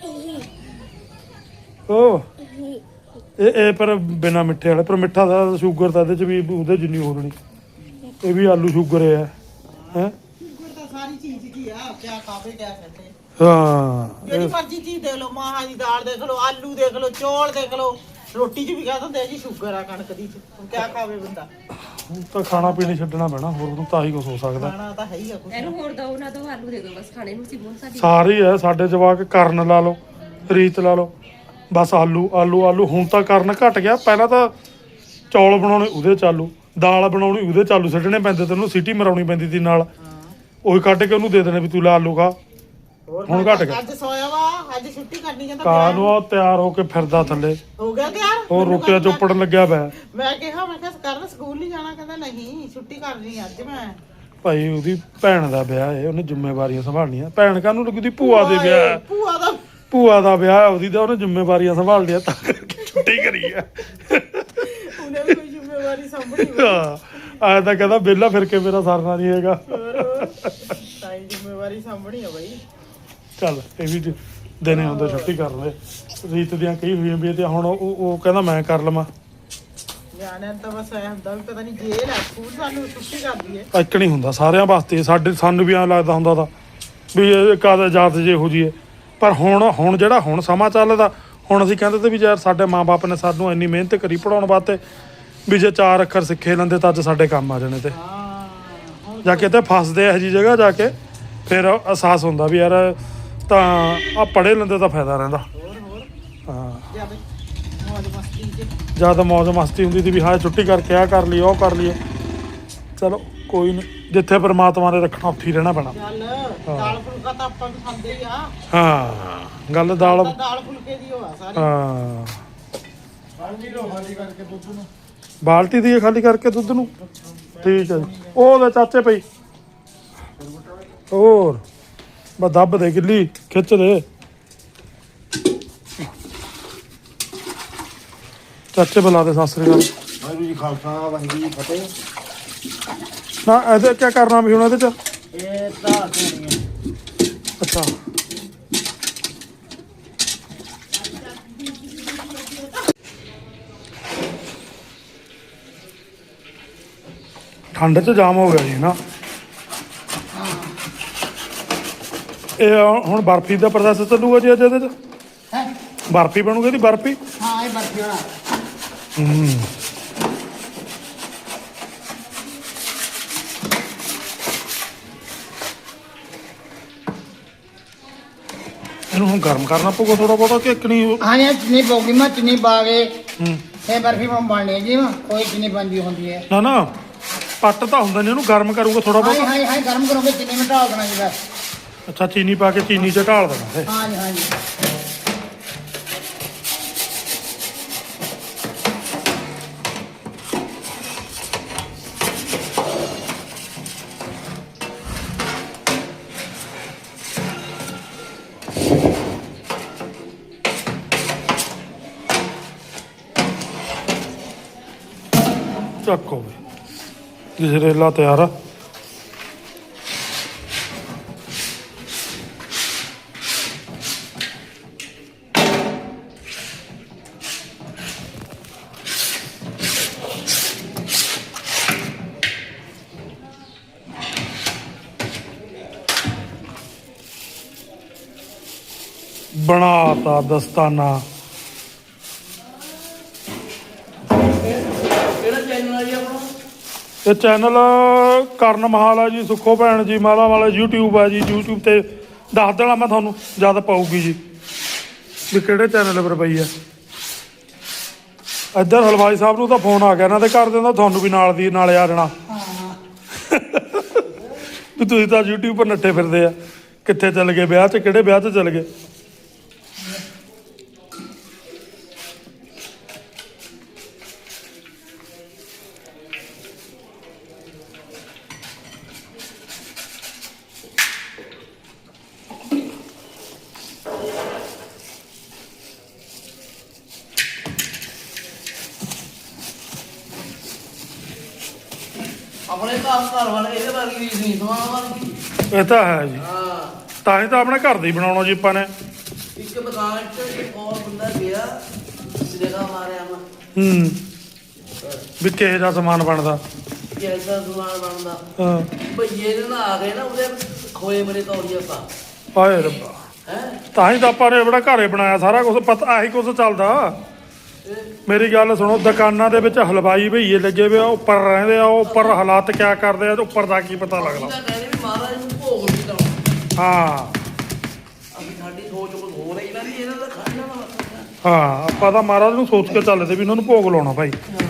B: ਹੋ ਇਹ ਇਹ ਪਰ ਬਿਨਾ ਮਿੱਠੇ ਵਾਲੇ ਪਰ ਮਿੱਠਾ ਦਾ ਸ਼ੂਗਰ ਤਾਂ ਇਹਦੇ ਚ ਵੀ ਉਹਦੇ ਜਿੰਨੀ ਹੋ ਜਣੀ ਇਹ ਵੀ ਆਲੂ ਸ਼ੂਗਰ ਹੈ ਹੈ
A: ਸ਼ੂਗਰ ਤਾਂ ਸਾਰੀ ਚੀਜ਼ ਦੀ ਆ। ਕਿਆ ਖਾਵੇ ਕਿਆ ਸਕਦੇ
B: ਹਾਂ
A: ਜਿਹੜੀ ਮਰਜ਼ੀ ਚੀਜ਼ ਦੇਖ ਲਓ। ਮਾਹਾਂ ਦੀ ਦਾਲ ਦੇਖ ਲਓ ਆਲੂ ਦੇਖ ਲਓ ਚੌਲ ਦੇਖ ਲਓ ਰੋਟੀ 'ਚ ਵੀ ਕਹਿ ਦਿੰਦੇ ਆ ਜੀ ਸ਼ੂਗਰ ਆ ਕਣਕ ਦੀ 'ਚ। ਹੁਣ ਕਿਆ ਖਾਵੇ ਬੰਦਾ।
B: ਹੁਣ ਤਾਂ ਖਾਣਾ ਪੀਣਾ ਛੱਡਣਾ ਪੈਣਾ ਹੋਰ ਨੂੰ ਤਾਂ ਹੀ ਕੁਝ ਹੋ ਸਕਦਾ।
A: ਖਾਣਾ ਤਾਂ ਹੈ ਹੀ ਆ ਕੁਛ।
D: ਇਹਨੂੰ ਹੋਰ ਦੋ ਨਾ ਦੋ ਆਲੂ ਦੇ ਦੋ ਬਸ ਖਾਣੇ ਨੂੰ ਸਿਮੋਨ ਸਾਡੀ
B: ਸਾਰੇ ਹੈ ਸਾਡੇ ਜਵਾਕ ਕਰਨ ਲਾ ਲਓ ਰੀਤ ਲਾ ਲਓ ਬਸ ਆਲੂ ਆਲੂ ਆਲੂ। ਹੁਣ ਤਾਂ ਕਰਨ ਘਟ ਗਿਆ। ਪਹਿਲਾਂ ਤਾਂ ਚੌਲ ਬਣਾਉਣੇ ਉਹਦੇ ਚ ਆਲੂ ਦਾਲ ਬਣਾਉਣੀ ਉਹਦੇ ਚ ਆਲੂ ਛੱਡਣੇ ਪੈਂਦੇ ਤੈਨੂੰ ਸੀਟੀ ਮਰਾਉਣੀ ਪੈਂਦੀ ਸੀ ਨਾਲ ਉਹੀ ਕੱਢ ਕੇ ਉਹਨੂੰ ਦੇ ਦੇਣੇ ਵੀ ਤੂੰ ਲਾ ਆਲੂ ਖਾ। ਹੁਣ ਘਟ ਗਿਆ।
A: ਅੱਜ ਸੋਇਆ ਵਾ ਅੱਜ ਛੁੱਟੀ ਕਰਨੀ ਜਾਂਦਾ
B: ਕਾਂ ਨੂੰ ਉਹ ਤਿਆਰ ਹੋ ਕੇ ਫਿਰਦਾ ਥੱਲੇ
A: ਹੋ ਗਿਆ ਤਿਆਰ।
B: ਉਹ ਰੋਟੀਆਂ ਚੋਪੜਨ ਲੱਗਿਆ ਪਿਆ।
A: ਮੈਂ ਕਿਹਾ ਮੈਂ ਕਿਹਾ ਕਰਨ ਸਕੂਲ ਨਹੀਂ ਜਾਣਾ। ਕਹਿੰਦਾ ਨਹੀਂ ਛੁੱਟੀ ਕਰਨੀ ਅੱਜ ਮੈਂ।
B: ਭਾਈ ਉਹਦੀ ਭੈਣ ਦਾ ਵਿਆਹ ਹੈ ਉਹਨੇ ਜ਼ਿੰਮੇਵਾਰੀਆਂ ਸੰਭਾਲਣੀਆਂ। ਭੈਣ ਕਾਹਨੂੰ ਲੱਗਦੀ ਭੂਆ ਦੇ ਵਿਆਹ ਹੈ।
A: ਭੂਆ ਦਾ
B: ਭੂਆ ਦਾ ਵਿਆਹ ਉਹਦੀ ਤਾਂ ਉਹਨੇ ਜ਼ਿੰਮੇਵਾਰੀਆਂ ਸੰਭਾਲ ਲਿਆ ਤਾਂ ਕਰਕੇ ਛੁੱਟੀ ਕਰੀ ਆ।
A: ਉਹਨੇ ਵੀ ਕੋਈ ਜ਼ਿੰਮੇਵਾਰੀ ਸੰਭਣੀ ਹੋਈ।
B: ਹਾਂ ਆਇਆ ਤਾਂ ਕਹਿੰਦਾ ਵਿਹਲਾ ਫਿਰ ਕੇ ਮੇਰਾ ਸਰਨਾ ਨਹੀਂ ਹੈਗਾ।
A: ਤਾਂ ਹੀ ਜ਼ਿੰਮੇਵਾਰੀ ਸੰਭਣੀ ਆ ਬਾਈ।
B: ਚੱਲ ਇਹ ਵੀ ਦਿਨੇ ਹੁੰਦਾ ਛੁੱਟੀ ਕਰ ਲੈ। ਰੀਤ ਦੀਆਂ ਕਈ ਹੋਈਆਂ ਵੀ ਤੇ ਹੁਣ ਉਹ ਉਹ ਕਹਿੰਦਾ ਮੈਂ ਕਰ ਲਵਾਂ।
A: ਨਿਆਣਿਆਂ ਨੂੰ ਤਾਂ ਬਸ ਐ ਹੁੰਦਾ ਵੀ ਪਤਾ ਨਹੀਂ ਜੇਲ੍ਹ ਆ ਸਕੂਲ ਸਾਨੂੰ ਛੁੱਟੀ ਕਰਦੀ ਏ।
B: ਇੱਕ ਨਹੀਂ ਹੁੰਦਾ ਸਾਰਿਆਂ ਵਾਸਤੇ। ਸਾਡੇ ਸਾਨੂੰ ਵੀ ਐਂ ਲੱਗਦਾ ਹੁੰਦਾ ਤਾਂ ਵੀ ਇਹ ਕਾਹਦਾ ਜਾਤ ਜੇ ਹੋ ਜੀਏ। ਪਰ ਹੁਣ ਹੁਣ ਜਿਹੜਾ ਹੁਣ ਸਮਾਂ ਚੱਲਦਾ ਹੁਣ ਅਸੀਂ ਕਹਿੰਦੇ ਤੇ ਵੀ ਯਾਰ ਸਾਡੇ ਮਾਂ-ਬਾਪ ਨੇ ਸਾਨੂੰ ਇੰਨੀ ਮਿਹਨਤ ਕਰੀ ਪੜਾਉਣ ਵਾਸਤੇ ਵੀ ਜੇ ਚਾਰ ਅੱਖਰ ਸਿੱਖੇ ਲੈਂਦੇ ਤਾਂ ਅੱਜ ਸਾਡੇ ਕੰਮ ਆ ਜਾਣੇ ਤੇ
A: ਹਾਂ
B: ਜਾ ਕੇ ਤੇ ਫਸਦੇ ਇਹੋ ਜਿਹੀ ਜਗ੍ਹਾ ਜਾ ਕੇ ਫਿਰ ਅਹਿਸਾਸ ਹੁੰਦਾ ਵੀ ਯਾਰ ਤਾਂ ਆ ਪੜ੍ਹੇ ਲੈਂਦੇ ਤਾਂ ਫਾਇਦਾ ਰਹਿੰਦਾ।
A: ਹੋਰ ਹੋਰ
B: ਹਾਂ
A: ਜਦ ਮੌਜ ਮਸਤੀ 'ਚ
B: ਜਦ ਮੌਜ ਮਸਤੀ ਹੁੰਦੀ ਸੀ ਵੀ ਹਾਂ ਛੁੱਟੀ ਕਰਕੇ ਆ ਕਰ ਲਈ ਉਹ ਕਰ ਲਈਏ। ਚਲੋ ਕੋਈ ਨਹੀਂ ਜਿੱਥੇ ਪਰਮਾਤਮਾ ਨੇ ਰੱਖਣਾ ਉੱਥੇ ਹੀ ਰਹਿਣਾ ਪੈਣਾ।
A: ਚੱਲ ਦਾਲ ਫੁਲਕਾ ਤਾਂ ਆਪਾਂ ਵੀ ਖਾਂਦੇ ਹੀ ਆ।
B: ਹਾਂ ਗੱਲ ਦਾਲ
A: ਤਾਂ ਦਾਲ ਫੁਲਕੇ ਦੀ ਹੋਆ ਸਾਰੀ।
B: ਹਾਂ ਬਾਲਟੀ ਦੀ ਖਾਲੀ ਕਰਕੇ ਦੁੱਧ ਨੂੰ ਠੀਕ ਹੈ ਜੀ। ਉਹ ਉਹਦੇ ਚਾਚੇ ਪਈ ਹੋਰ ਬਸ ਦੱਬ ਦੇ ਗਿੱਲੀ ਖਿੱਚ ਦੇ ਚਾਚੇ ਬੁਲਾ ਦੇ ਸਤਿ ਸ੍ਰੀ ਅਕਾਲ।
F: ਵਾਹਿਗੁਰੂ ਜੀ ਖਾਲਸਾ ਵਾਹਿਗੁਰੂ ਜੀ ਫਤਿਹ।
B: ਨਾ ਇਹਦੇ ਕੀ ਕਰਨਾ ਵੀ ਹੁਣ ਇਹਦੇ ਚ
F: ਇਹ ਤਾਂ ਸੁਣੀਏ
B: ਅੱਛਾ ਠੰਡ ਚ ਜਾਮ ਹੋ ਗਿਆ ਜੀ ਨਾ। ਇਹ ਹੁਣ ਬਰਫੀ ਦਾ ਪ੍ਰੋਸੈਸ ਚੱਲੂਗਾ ਜੀ ਅੱਜ ਇਹਦੇ ਚ
F: ਹੈ
B: ਬਰਫੀ ਬਣੂਗੀ ਦੀ ਬਰਫੀ।
F: ਹਾਂ ਇਹ ਬਰਫੀ ਵਾਲਾ
B: ਹੂੰ ਇਹਨੂੰ ਹੁਣ ਗਰਮ ਕਰਨਾ ਪਊਗਾ ਥੋੜਾ ਬਹੁਤਾ ਕਿ ਇੱਕ ਨਹੀਂ।
F: ਹਾਂ ਇਹ ਚੀਨੀ ਪਊਗੀ ਮੈਂ ਚੀਨੀ ਪਾ ਕੇ
B: ਹੂੰ
F: ਇਹ ਬਰਫੀ ਬਣਨੀ ਹੈ ਜੀ ਕੋਈ ਚੀਨੀ ਬਣਦੀ ਹੁੰਦੀ ਹੈ।
B: ਨਾ ਨਾ ਪੱਟ ਤਾਂ ਹੁੰਦਾ ਨਹੀਂ, ਇਹਨੂੰ ਗਰਮ ਕਰੂਗਾ ਥੋੜਾ
F: ਹਾਂ
B: ਬਹੁਤਾ।
F: ਹਾਂ ਹਾਂ ਗਰਮ ਕਰੋਗੇ ਚੀਨੀ ਮਿਟਾ ਦੇਣਾ ਜੀ ਬਸ।
B: ਅੱਛਾ ਚੀਨੀ ਪਾ ਕੇ ਚੀਨੀ ਚ ਢਾਲ ਦੇਣਾ ਇਹ।
F: ਹਾਂ ਜੀ ਹਾਂ ਜੀ
B: ਚੱਕੋ ਵੀ ਗਜਰੇਲਾ ਤਿਆਰ ਆ। ਬਣਾਤਾ ਦਸਤਾਨਾ। ਇਹ ਚੈਨਲ ਕਰਨ ਮਹਾਲ ਆ ਜੀ, ਸੁੱਖੋ ਭੈਣ ਜੀ ਮਾਲਾ ਵਾਲਾ YouTube ਆ ਜੀ। YouTube ਤੇ ਦੱਸ ਦੇਣਾ ਮੈਂ ਤੁਹਾਨੂੰ ਜਦ ਪਾਊਗੀ ਜੀ ਵੀ ਕਿਹੜੇ ਚੈਨਲ ਪਰ ਪਈ ਆ। ਇੱਧਰ ਹਲਵਾਈ ਸਾਹਿਬ ਨੂੰ ਤਾਂ ਫੋਨ ਆ ਗਿਆ ਇਹਨਾਂ ਦੇ ਘਰ ਦੇ ਦਾ, ਤੁਹਾਨੂੰ ਵੀ ਨਾਲ ਦੀ ਨਾਲੇ ਆ ਜਾਣਾ ਵੀ ਤੁਸੀਂ ਤਾਂ YouTube ਪਰ ਨੱਠੇ ਫਿਰਦੇ ਆ। ਕਿੱਥੇ ਚੱਲ ਗਏ ਵਿਆਹ 'ਚ, ਕਿਹੜੇ ਵਿਆਹ 'ਚ ਚੱਲ ਗਏ।
F: ਆਪਣੇ ਘਰ ਘਰ ਵਾਲੇ ਇਹਦੇ ਵਰਗੀ ਰੀਸ ਨਹੀਂ ਸਮਾਨ ਵਰਗੀ।
B: ਇਹ ਤਾਂ ਹੈ ਜੀ,
F: ਹਾਂ
B: ਤਾਂ ਹੀ ਤਾਂ ਆਪਣੇ ਘਰ ਦਾ ਹੀ ਬਣਾਉਣਾ ਜੀ ਆਪਾਂ ਨੇ।
F: ਇੱਕ ਦੁਕਾਨ 'ਚ ਇੱਕ ਹੋਰ ਬੰਦਾ ਗਿਆ ਜਿਹੜਾ ਮਾਰਿਆ ਮੈਂ
B: ਹੂੰ ਵੀ ਕਿਹੋ ਜਿਹਾ ਸਮਾਨ ਬਣਦਾ।
F: ਕਿਹਦਾ ਸਮਾਨ ਬਣਦਾ
B: ਹਾਂ
F: ਭਈਏ ਦੇ ਨਾਲ ਆ ਗਏ ਨਾ ਉਹਦੇ ਖੋਏ ਬਰੇ ਤੌਲੀਆ ਪਾ
B: ਹਾਏ ਰੱਬਾ,
F: ਹੈ
B: ਤਾਂ ਹੀ ਤਾਂ ਆਪਾਂ ਨੇ ਬੜਾ ਘਰੇ ਬਣਾਇਆ ਸਾਰਾ ਕੁਝ। ਪਤਾ ਆਹੀ ਕੁਝ ਚੱਲਦਾ। ਮੇਰੀ ਗੱਲ ਸੁਣੋ, ਦੁਕਾਨਾਂ ਦੇ ਵਿੱਚ ਹਲਵਾਈ ਭਈਏ ਲੱਗੇ ਵੇ ਆ, ਉੱਪਰ ਰਹਿੰਦੇ ਆ, ਉਹ ਉੱਪਰ ਹਾਲਾਤ ਕਿਆ ਕਰਦੇ ਆ, ਉੱਪਰ ਦਾ ਕੀ ਪਤਾ ਲੱਗਦਾ।
F: ਤਾਂ ਕਹਿੰਦੇ ਵੀ ਮਹਾਰਾਜ ਨੂੰ ਭੋਗ ਨਹੀਂ ਲਾਉਣਾ।
B: ਹਾਂ
F: ਅਸੀਂ ਸਾਡੀ ਸੋਚ ਕੁਝ ਹੋ ਰਹੀ ਨਾ ਵੀ ਇਹਨਾਂ ਦਾ ਖਾਣਾ ਨਾ
B: ਹਾਂ ਆਪਾਂ ਤਾਂ ਮਹਾਰਾਜ ਨੂੰ ਸੋਚ ਕੇ ਚੱਲਦੇ ਵੀ ਇਹਨਾਂ ਨੂੰ ਭੋਗ ਲਾਉਣਾ ਭਾਈ।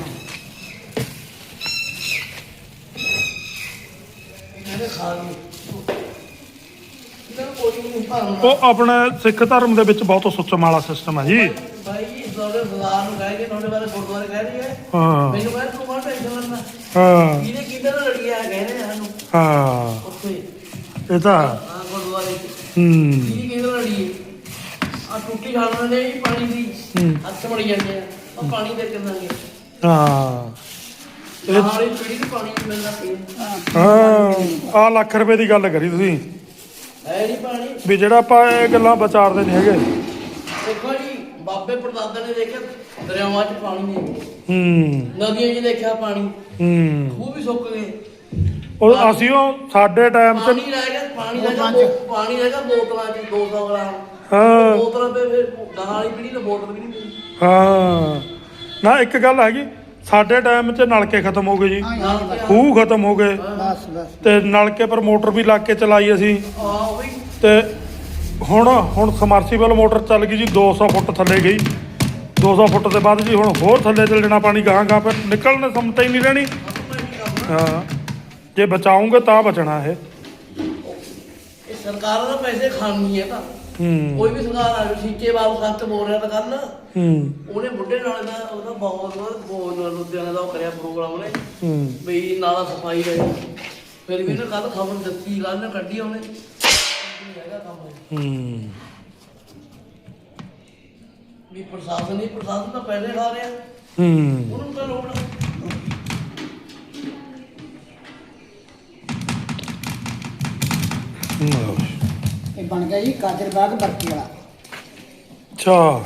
F: ਇਹਨੇ ਖਾ ਲਈ ਇਹਨਾਂ ਨੂੰ ਕੋਈ ਨਹੀਂ ਭਾਵਨਾ।
B: ਉਹ ਆਪਣੇ ਸਿੱਖ ਧਰਮ ਦੇ ਵਿੱਚ ਬਹੁਤ ਸੁੱਚਮ ਵਾਲਾ ਸਿਸਟਮ ਹੈ ਜੀ।
F: ਭਾਈ ਜੀ ਤੁਹਾਡੇ ਸਰਦਾਰ ਨੂੰ ਕਹਿ ਕੇ ਤੁਹਾਡੇ ਬਾਰੇ ਗੁਰਦੁਆਰੇ ਕਹਿ ਰਹੀ ਹੈ
B: ਹਾਂ
F: ਮੈਨੂੰ ਕਹਿੰਦਾ ਤੂੰ ਮਾਰ ਟੈਨਸ਼ਨ ਲੈਣਾ
B: ਹਾਂ
F: ਇਹਨੇ ਕਿੱਦਾਂ ਦਾ ਲੜੀਆ ਕਹਿੰਦੇ ਸਾਨੂੰ
B: ਹਾਂ
F: ਉੱਥੇ
B: ਇਹ ਤਾਂ
F: ਆ ਗੁਰਦੁਆਰੇ ਚ
B: ਹੂੰ
F: ਕੀ ਕਿਹਦਾ ਲੜੀਏ ਆ ਟੁੱਟੀ ਛਾਲਣ ਦੇ ਜੀ ਪਾਣੀ ਦੀ
B: ਹੂੰ।
F: ਹੱਥ ਮੜੀ ਜਾਂਦੇ ਆ ਉਹ ਪਾਣੀ ਦੇ ਕਿੰਨਾਂਗੇ
B: ਹਾਂ
F: ਇਹ ਹਾਲੀ ਪੀੜੀ ਨੂੰ ਪਾਣੀ ਨਹੀਂ ਮਿਲਦਾ ਪੀਣ
B: ਹਾਂ ਆ ਲੱਖ ਰੁਪਏ ਦੀ ਗੱਲ ਕਰੀ ਤੁਸੀਂ
F: ਹੈ ਨਹੀਂ ਪਾਣੀ।
B: ਵੀ ਜਿਹੜਾ ਆਪਾਂ ਇਹ ਗੱਲਾਂ ਵਿਚਾਰਦੇ ਨਹੀਂ ਹੈਗੇ।
F: ਦੇਖੋ ਜੀ ਬਾਬੇ ਪੜਦਾਦੇ ਨੇ ਦੇਖਿਆ ਦਰਿਆਵਾਂ 'ਚ ਪਾਣੀ ਨਹੀਂ,
B: ਹੂੰ
F: ਨਦੀਆਂ 'ਚ ਦੇਖਿਆ ਪਾਣੀ,
B: ਹੂੰ
F: ਖੂਹ ਵੀ ਸੁੱਕ ਗਏ।
B: ਉਹ ਅਸੀਂ ਉਹ ਸਾਡੇ ਟਾਈਮ 'ਚ
F: ਪਾਣੀ ਰਹਿ ਗਿਆ ਪਾਣੀ ਰਹਿ ਗਿਆ ਬੋ- ਪਾਣੀ ਰਹਿ ਗਿਆ ਬੋਤਲਾਂ 'ਚ ਦੋ ਸੌ ਗ੍ਰਾਮ
B: ਹਾਂ
F: ਬੋਤਲਾਂ ਪੇ ਫਿਰ ਗਾਹਾਂ ਵਾਲੀ ਪੀੜੀ ਨੂੰ ਬੋਤਲ ਵੀ ਨਹੀਂ ਮਿਲੀ।
B: ਹਾਂ ਨਾ ਇੱਕ ਗੱਲ ਹੈਗੀ, ਸਾਡੇ ਟਾਈਮ 'ਚ ਨਲਕੇ ਖਤਮ ਹੋ ਗਏ ਜੀ,
F: ਨਾਲ
B: ਖੂਹ ਖਤਮ ਹੋ ਗਏ
F: ਬਸ ਬਸ
B: ਤੇ ਨਲਕੇ ਪਰ ਮੋਟਰ ਵੀ ਲਾ ਕੇ ਚਲਾਈ ਅਸੀਂ।
F: ਆ ਉਹ ਵੀ
B: ਤੇ ਹੁਣ ਹੁਣ ਸਮਰਸੀਬਲ ਮੋਟਰ ਚੱਲ ਗਈ ਜੀ, ਦੋ ਸੌ ਫੁੱਟ ਥੱਲੇ ਗਈ। ਦੋ ਸੌ ਫੁੱਟ ਦੇ ਬਾਅਦ ਜੀ ਹੁਣ ਹੋਰ ਥੱਲੇ ਚੱਲ ਜਾਣਾ ਪਾਣੀ, ਗਾਹਾਂ ਗਾਹਾਂ ਫਿਰ ਨਿਕਲਣ ਸਮਤਾ ਹੀ ਨਹੀਂ ਰਹਿਣੀ। ਹਾਂ ਜੇ ਬਚਾਉਂਗੇ ਤਾਂ ਬਚਣਾ ਇਹ।
F: ਇਹ ਸਰਕਾਰਾਂ ਦਾ ਪੈਸੇ ਖਾਣੀ ਹੈ ਤਾਂ
B: ਹੂੰ
F: ਕੋਈ ਵੀ ਸਰਕਾਰ ਆ ਗਈ ਸੀਚੇ ਬਾਬੂ ਸੱਤ ਬੋਲ ਰਿਹਾ ਤਾਂ ਕੱਲ
B: ਹੂੰ
F: ਉਹਨੇ ਬੁੱਢੇ ਨਾਲੇ ਦਾ ਉਹਦਾ ਬਹੁਤ ਬੋਲ ਲੁਧਿਆਣਾ ਦਾ ਉਹ ਕਰਿਆ ਪ੍ਰੋਗਰਾਮ ਉਹਨੇ
B: ਹੂੰ
F: ਬਈ ਨਾਲਾ ਸਫਾਈ ਰਹੇ ਫਿਰ ਵੀ ਉਹਨੇ ਕੱਲ ਖਬਰ ਦਿੱਤੀ ਕੱਲ ਨੇ ਕੱਢੀ ਉਹਨੇ ਹੈਗਾ ਕੰਮ
B: ਹੂੰ
F: ਵੀ ਪ੍ਰਸ਼ਾਸਨ ਨਹੀਂ ਪ੍ਰਸ਼ਾਸਨ ਤਾਂ ਪੈਸੇ ਖਾ ਰਿਹਾ
B: ਹੂੰ
F: ਉਹਨੂੰ ਤਾਂ ਲੋੜ
G: ਇਹ ਬਣ ਗਿਆ ਜੀ ਕਾਦਰਬਾਗ ਬਰਕੀ ਵਾਲਾ।
B: ਅੱਛਾ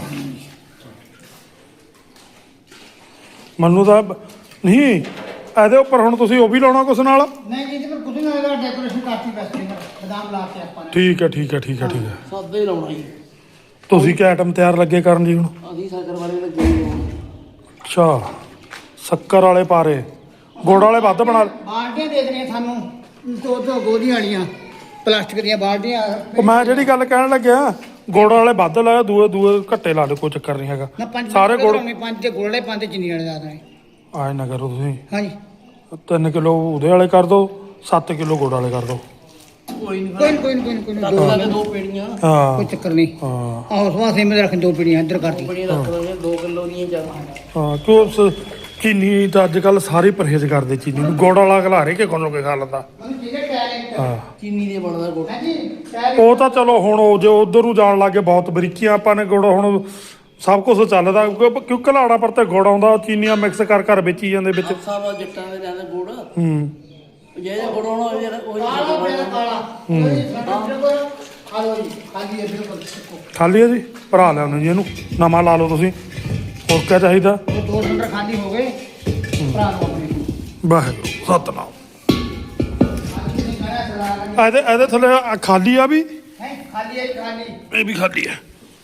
B: ਮੈਨੂੰ ਤਾਂ ਬ- ਨਹੀਂ ਇਹਦੇ ਉੱਪਰ ਹੁਣ ਤੁਸੀਂ ਉਹ ਵੀ ਲਾਉਣਾ ਕੁਛ ਨਾਲ
G: ਨਹੀਂ ਜੀ ਇਹਦੇ ਪਰ ਕੁਝ ਨਹੀਂ ਹੋਏਗਾ ਡੈਕੋਰੇਸ਼ਨ ਕਰਤੀ ਬਸ ਜੀ ਬਦਾਮ ਲਾ ਕੇ ਆਪਾਂ ਨੇ।
B: ਠੀਕ ਹੈ ਠੀਕ ਹੈ ਠੀਕ ਹੈ ਠੀਕ ਹੈ
F: ਸਾਦਾ ਹੀ ਲਾਉਣਾ ਜੀ
B: ਤੁਸੀਂ ਕੀ ਆਈਟਮ ਤਿਆਰ ਲੱਗੇ ਕਰਨ ਜੀ ਹੁਣ
F: ਅਸੀਂ ਸਾਗਰ ਵਾਲੇ ਲੱਗੇ ਹੋਏ ਹਾਂ।
B: ਅੱਛਾ ਸ਼ੱਕਰ ਵਾਲੇ ਪਾਰੇ ਗੁੜ ਵਾਲੇ ਵੱਧ ਬਣਾ
G: ਬਾਲਟੀਆਂ ਦੇ ਦੇਣੀਆਂ ਸਾਨੂੰ ਦੋ ਦੋ ਗੋਦੀਆਂ ਵਾਲੀਆਂ ਪਲਾਸਟਿਕ ਦੀਆਂ ਬਾਲਟੀਆਂ।
B: ਉਹ ਮੈਂ ਜਿਹੜੀ ਗੱਲ ਕਹਿਣ ਲੱਗਿਆ ਗੁੜ ਵਾਲੇ ਵੱਧ ਲਾਇਆ ਦੂਏ ਦੂਏ ਘੱਟੇ ਲਾ ਲਓ ਕੋਈ ਚੱਕਰ ਨਹੀਂ ਹੈਗਾ
G: ਨਾ ਪੰਜ
B: ਸਾਰੇ ਗੁੜ
G: ਬਣਾਉਣੇ, ਪੰਜ ਤੇ ਗੁੜ ਵਾਲੇ ਪੰਜ ਤੇ ਚੀਨੀ ਵਾਲੇ ਲਾ ਦੇਣੇ।
B: ਆਏ ਨਾ ਕਰੋ ਤੁਸੀਂ
G: ਹਾਂਜੀ
B: ਤਿੰਨ ਕਿਲੋ ਉਹਦੇ ਵਾਲੇ ਕਰ ਦਿਓ ਸੱਤ ਕਿਲੋ ਗੁੜ ਵਾਲੇ ਕਰ ਦਿਓ
F: ਕੋਈ ਨਹੀਂ
G: ਕੋਈ ਨੀ, ਕੋਈ ਨੀ, ਕੋਈ ਨੀ, ਕੋਈ ਨੀ,
F: ਰੱਖ
G: ਦੋ
F: ਲਾਂਗੇ ਦੋ ਪੇੜੀਆਂ
B: ਹਾਂ
G: ਕੋਈ ਚੱਕਰ ਨਹੀਂ।
B: ਹਾਂ
G: ਆਹੋ ਸਵਾ ਸੇ ਮੇਰੇ ਰੱਖ ਦੋ ਪੀੜੀਆਂ ਇੱਧਰ ਕਰਤੀ।
F: ਪੇੜੀਆਂ ਰੱਖ ਲਾਂਗੇ ਦੋ ਕਿਲੋ ਦੀਆਂ ਚਾਹੀਦੀਆਂ
B: ਹਾਂ ਕਿਉਂ ਸ- ਚੀਨੀ ਤਾਂ ਅੱਜ ਕੱਲ ਸਾਰੇ ਪਰਹੇਜ਼ ਕਰਦੇ ਚੀਨੀ ਨੂੰ ਗੁੜ ਵਾਲਾ ਖਿਲਾਰੇ ਕਿ ਕੋਲੋਂ ਕੇ ਖਾ ਲੈਂਦਾ ਹਾਂ
F: ਚੀਨੀ ਦੇ ਬਣਦਾ ਗੁੜ
G: ਹਾਂਜੀ
B: ਉਹ ਤਾਂ ਚਲੋ ਹੁਣ ਉਹ ਜੇ ਉਧਰ ਨੂੰ ਜਾਣ ਲੱਗੇ ਬਹੁਤ ਬਰੀਕੀਆਂ ਆਪਾਂ ਨੇ ਗੁੜ ਹੁਣ ਸਭ ਕੁਝ ਚੱਲਦਾ ਕਿਉਂ ਕਿਉਂ ਘਲਾੜਾ ਪਰ ਤੇ ਗੁੜ ਆਉਂਦਾ ਚੀਨੀਆਂ ਮਿਕਸ ਕਰ ਕਰ ਵੇਚੀ ਜਾਂਦੇ ਵਿੱਚ
F: ਸਾਵਾ ਜੱਟਾਂ ਦੇ ਲੈਂਦੇ ਗੁੜ
B: ਹੂੰ
F: ਜਿਹੜਾ ਗੁੜ ਹੋਣਾ ਉਹ ਜਿਹੜਾ ਉਹ
G: ਕਾਲਾ ਪਿਆ ਕਾਲਾ ਕੋਈ ਸਾਡਾ ਖਾ ਲਓ ਜੀ ਖਾਲੀ ਹੈ ਬਿਲਕੁਲ
B: ਖਾਲੀ ਹੈ ਜੀ ਭਰਾ ਲਿਆ ਉਹਨੇ ਜੀ ਇਹਨੂੰ ਨਵਾਂ ਲਾ ਲਓ ਤੁਸੀਂ ਹੋਰ ਕੀ ਚਾਹੀਦਾ
G: ਉਹ ਦੋ ਸਿਲੰਡਰ ਖਾਲੀ ਹੋ ਗਏ ਭਰਾ ਨੂੰ ਆਪਣੇ
B: ਵਾਹਿਗੁਰੂ ਸਤਨਾਮ
G: ਖਾਲੀ ਨਹੀਂ ਖਾਇਆ ਚਲਾ ਲਾਂਗੇ।
B: ਇਹਦੇ ਇਹਦੇ ਥੱਲੇ ਆਹ ਖਾਲੀ ਆ ਵੀ
G: ਹੈਂ, ਖਾਲੀ ਹੈ ਜੀ, ਖਾਲੀ।
B: ਇਹ ਵੀ ਖਾਲੀ ਹੈ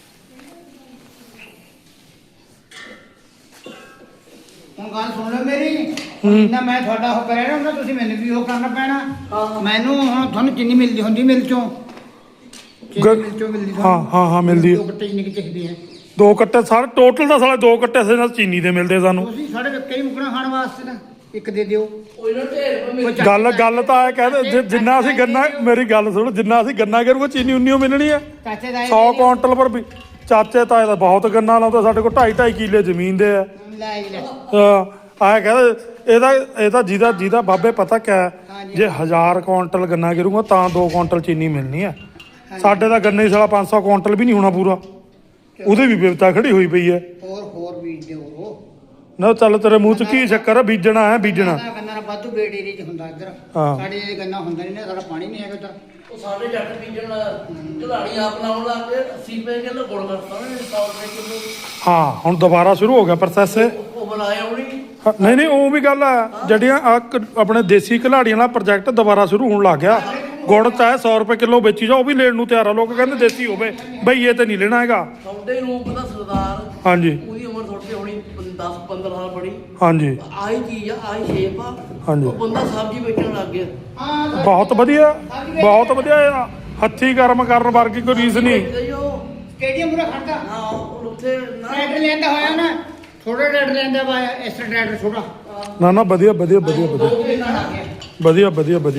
G: ਹੁਣ ਗੱਲ ਸੁਣ ਲਓ ਮੇਰੀ ਜਿੰਨਾ ਮੈਂ ਤੁਹਾਡਾ ਉਹ ਕਰਿਆ ਨਾ ਉਹਨਾਂ ਤੁਸੀਂ ਮੈਨੂੰ ਵੀ ਉਹ ਕਰਨਾ ਪੈਣਾ। ਮੈਨੂੰ ਹੁਣ ਤੁਹਾਨੂੰ ਚੀਨੀ ਮਿਲਦੀ ਹੁੰਦੀ ਮਿਲ ਚੋਂ ਚੀਨੀ
B: ਗ-
G: ਮਿਲ ਚੋਂ ਮਿਲਦੀ
B: ਹਾਂ ਹਾਂ ਹਾਂ ਮਿਲਦੀ
G: ਦੋ
B: ਹੈ।
G: ਗੱਟੇ ਚੀਨੀ ਕੀ ਚਾਹੀਦੇ ਆ
B: ਦੋ ਕੱਟੇ ਸਾਰੇ ਟੋਟਲ ਦਾ ਸਾਲੇ ਦੋ ਕੱਟੇ ਸੇ ਨਾਲ ਚੀਨੀ ਦੇ ਮਿਲਦੇ ਸਾਨੂੰ
G: ਤੁਸੀਂ ਸਾਡੇ ਵਿੱਚ ਕਈ ਮੁਕਣਾ ਖਾਣ ਵਾਸਤੇ ਨਾ ਇੱਕ ਦੇ ਦਿਓ।
F: ਉਹ ਇਹਨਾਂ ਢੇਰ ਪਾ ਮੇਰੇ
B: ਗੱਲ ਗੱਲ ਤਾਂ ਇਹ ਕਹਿੰਦੇ ਜਿ- ਜਿੰਨਾ ਅਸੀਂ ਗੰਨਾ ਮੇਰੀ ਗੱਲ ਸੁਣੋ ਜਿੰਨਾ ਅਸੀਂ ਗੰਨਾ ਕਰੂਗੇ ਚੀਨੀ ਉਨੀ ਓ ਮਿਲਣੀ ਹੈ
G: ਚਾਚੇ ਦਾ
B: ਸੌ ਕੁਆਂਟਲ ਪਰ ਵੀ ਚਾਚੇ ਤਾਏ ਦਾ ਬਹੁਤ ਗੰਨਾ ਲਾਉਂਦੇ ਸਾਡੇ ਕੋਲ ਢਾਈ ਢਾਈ ਕਿੱਲੇ ਜ਼ਮੀਨ ਦੇ ਆ
G: ਲੈ ਜੀ ਲੈ
B: ਆਏ ਕਹਿੰਦੇ ਇਹਦਾ ਇਹ ਤਾਂ ਜਿਹਦਾ ਜਿਹਦਾ ਬਾਬੇ ਪਤਾ ਕਿਆ ਜੇ ਹਜ਼ਾਰ ਕੁਆਂਟਲ ਗੰਨਾ ਗਿਰੂਗਾ ਤਾਂ ਦੋ ਕੁਆਂਟਲ ਚੀਨੀ ਮਿਲਣੀ ਹੈ ਸਾਡੇ ਦਾ ਗੰਨੇ ਹੀ ਸਾਲਾ ਪੰਜ ਸੌ ਕੁਆਂਟਲ ਵੀ ਨਹੀਂ ਹੋਣਾ ਪੂਰਾ ਉਹਦੇ ਵੀ ਵਿਵਤਾ ਖੜੀ ਹੋਈ ਪਈ ਹੈ
G: ਹੋਰ ਹੋਰ ਬੀਜ ਦਿਓ
B: ਨਾ ਚੱਲ ਤੇਰੇ ਮੂੰਹ 'ਚ ਕੀ ਚੱਕਰ ਹੈ ਬੀਜਣਾ ਹੈ ਬੀਜਣਾ
G: ਗੰਨਾ ਗੰਨਾ ਨਾ ਵਾਧੂ ਬੇੜ ਏਰੀਏ 'ਚ ਹੁੰਦਾ ਇੱਧਰ
B: ਹਾਂ।
G: ਸਾਡੇ ਇਹ ਗੰਨਾ ਹੁੰਦਾ ਨਹੀਂ ਨਾ ਸਾਡਾ ਪਾਣੀ ਨਹੀਂ ਹੈਗਾ ਇੱਧਰ
F: ਉਹ ਸਾਡੇ ਜੱਟ ਬੀਜਣ ਢਲਾੜੀ ਆਪ ਲਾਉਣ ਲੱਗ ਕੇ ਅੱਸੀ ਰੁਪਏ ਕਿਲੋ ਗੁੜ ਕਰਤਾ ਨੇ ਸੌ ਰੁਪਏ ਕਿਲੋ
B: ਹਾਂ ਹੁਣ ਦੁਬਾਰਾ ਸ਼ੁਰੂ ਹੋ ਗਿਆ ਪ੍ਰੋਸੈਸ
F: ਉਹ ਬਣਾਇਆ ਉਹਨੇ
B: ਹਾਂ, ਨਹੀਂ ਨਹੀਂ ਉਹ ਵੀ ਗੱਲ ਹੈ ਜਿਹੜੀਆਂ ਆਹ ਕ- ਆਪਣੇ ਦੇਸੀ ਘਲਾੜੀਆਂ ਵਾਲਾ ਪ੍ਰੋਜੈਕਟ ਦੁਬਾਰਾ ਸ਼ੁਰੂ ਹੋਣ ਲੱਗ ਗਿਆ ਗੁੜ ਚਾਹੇ ਸੌ ਰੁਪਏ ਕਿਲੋ ਵੇਚੀ ਜਾ ਉਹ ਵੀ ਲੈਣ ਨੂੰ ਤਿਆਰ ਆ ਲੋਕ ਕਹਿੰਦੇ ਦੇਸੀ ਹੋਵੇ ਬਈ ਇਹ ਤੇ ਨਹੀਂ ਲੈਣਾ ਹੈਗਾ
F: ਤੁਹਾਡੇ ਰੂਪ ਦਾ ਸਰਦਾਰ
B: ਹਾਂਜੀ
F: ਉਹਦੀ ਉਮਰ ਥੋੜੀ ਹੋਣੀ ਦਸ ਪੰਦਰਾਂ ਸਾਲ ਬੜੀ
B: ਹਾਂਜੀ
F: ਆਹੀ ਚੀਜ਼ ਆ ਆਹੀ ਸ਼ੇਪ ਆ
B: ਹਾਂਜੀ।
F: ਉਹ ਬੰਦਾ ਸਬਜ਼ੀ ਵੇਚਣ ਲੱਗ ਗਿਆ
G: ਹਾਂ
B: ਬਹੁਤ ਵਧੀਆ ਬਹੁਤ ਵਧੀਆ ਆ। ਹੱਥੀਂ ਕਰਮ ਕਰਨ ਵਰਗੀ ਕੋਈ ਰੀਸ ਨਹੀਂ
F: ਤੇ ਉਹ
G: ਸਟੇਡੀਅਮ ਪੂਰਾ ਖੜਦਾ
F: ਹਾਂ ਉਹ ਉੱਥੇ ਨਾ
G: ਟਰੈਕਟਰ ਲੈਂਦਾ ਹੋਇਆ ਨਾ ਥੋੜਾ ਟਰੈਕਟਰ ਲੈਂਦਾ ਵਾ ਇਸ ਟਰੈਕਟਰ ਛੋਟਾ
B: ਨਾ ਨਾ ਵਧੀਆ ਵਧੀਆ ਵਧੀਆ ਵਧੀਆ
G: ਦੋ ਮਹੀਨਾ ਲੱਗ ਗਿਆ
B: ਵਧੀਆ ਵਧੀਆ ਵਧੀਆ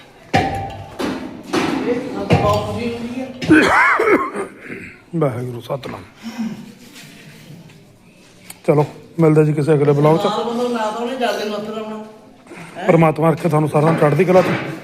F: ਇਹ ਸਾਡੇ ਬਾਪ ਜੀ ਹੁੰਦੀ ਹੈ
B: ਵਾਹਿਗੁਰੂ ਸਤਨਾਮ ਚਲੋ ਮਿਲਦੇ ਜੀ ਕਿਸੇ ਅਗਲੇ ਬਲੌਗ 'ਚ
F: ਨਾਲ ਬੰਦਾ ਨਾ ਤਾਂ ਉਹਨੇ ਜਾਂਦੇ ਨੂੰ ਹੱਥ ਲਾਉਣਾ
B: ਪਰਮਾਤਮਾ ਰੱਖੇ ਤੁਹਾਨੂੰ ਸਾਰਿਆਂ ਨੂੰ ਚੜ੍ਹਦੀ ਕਲਾ 'ਚ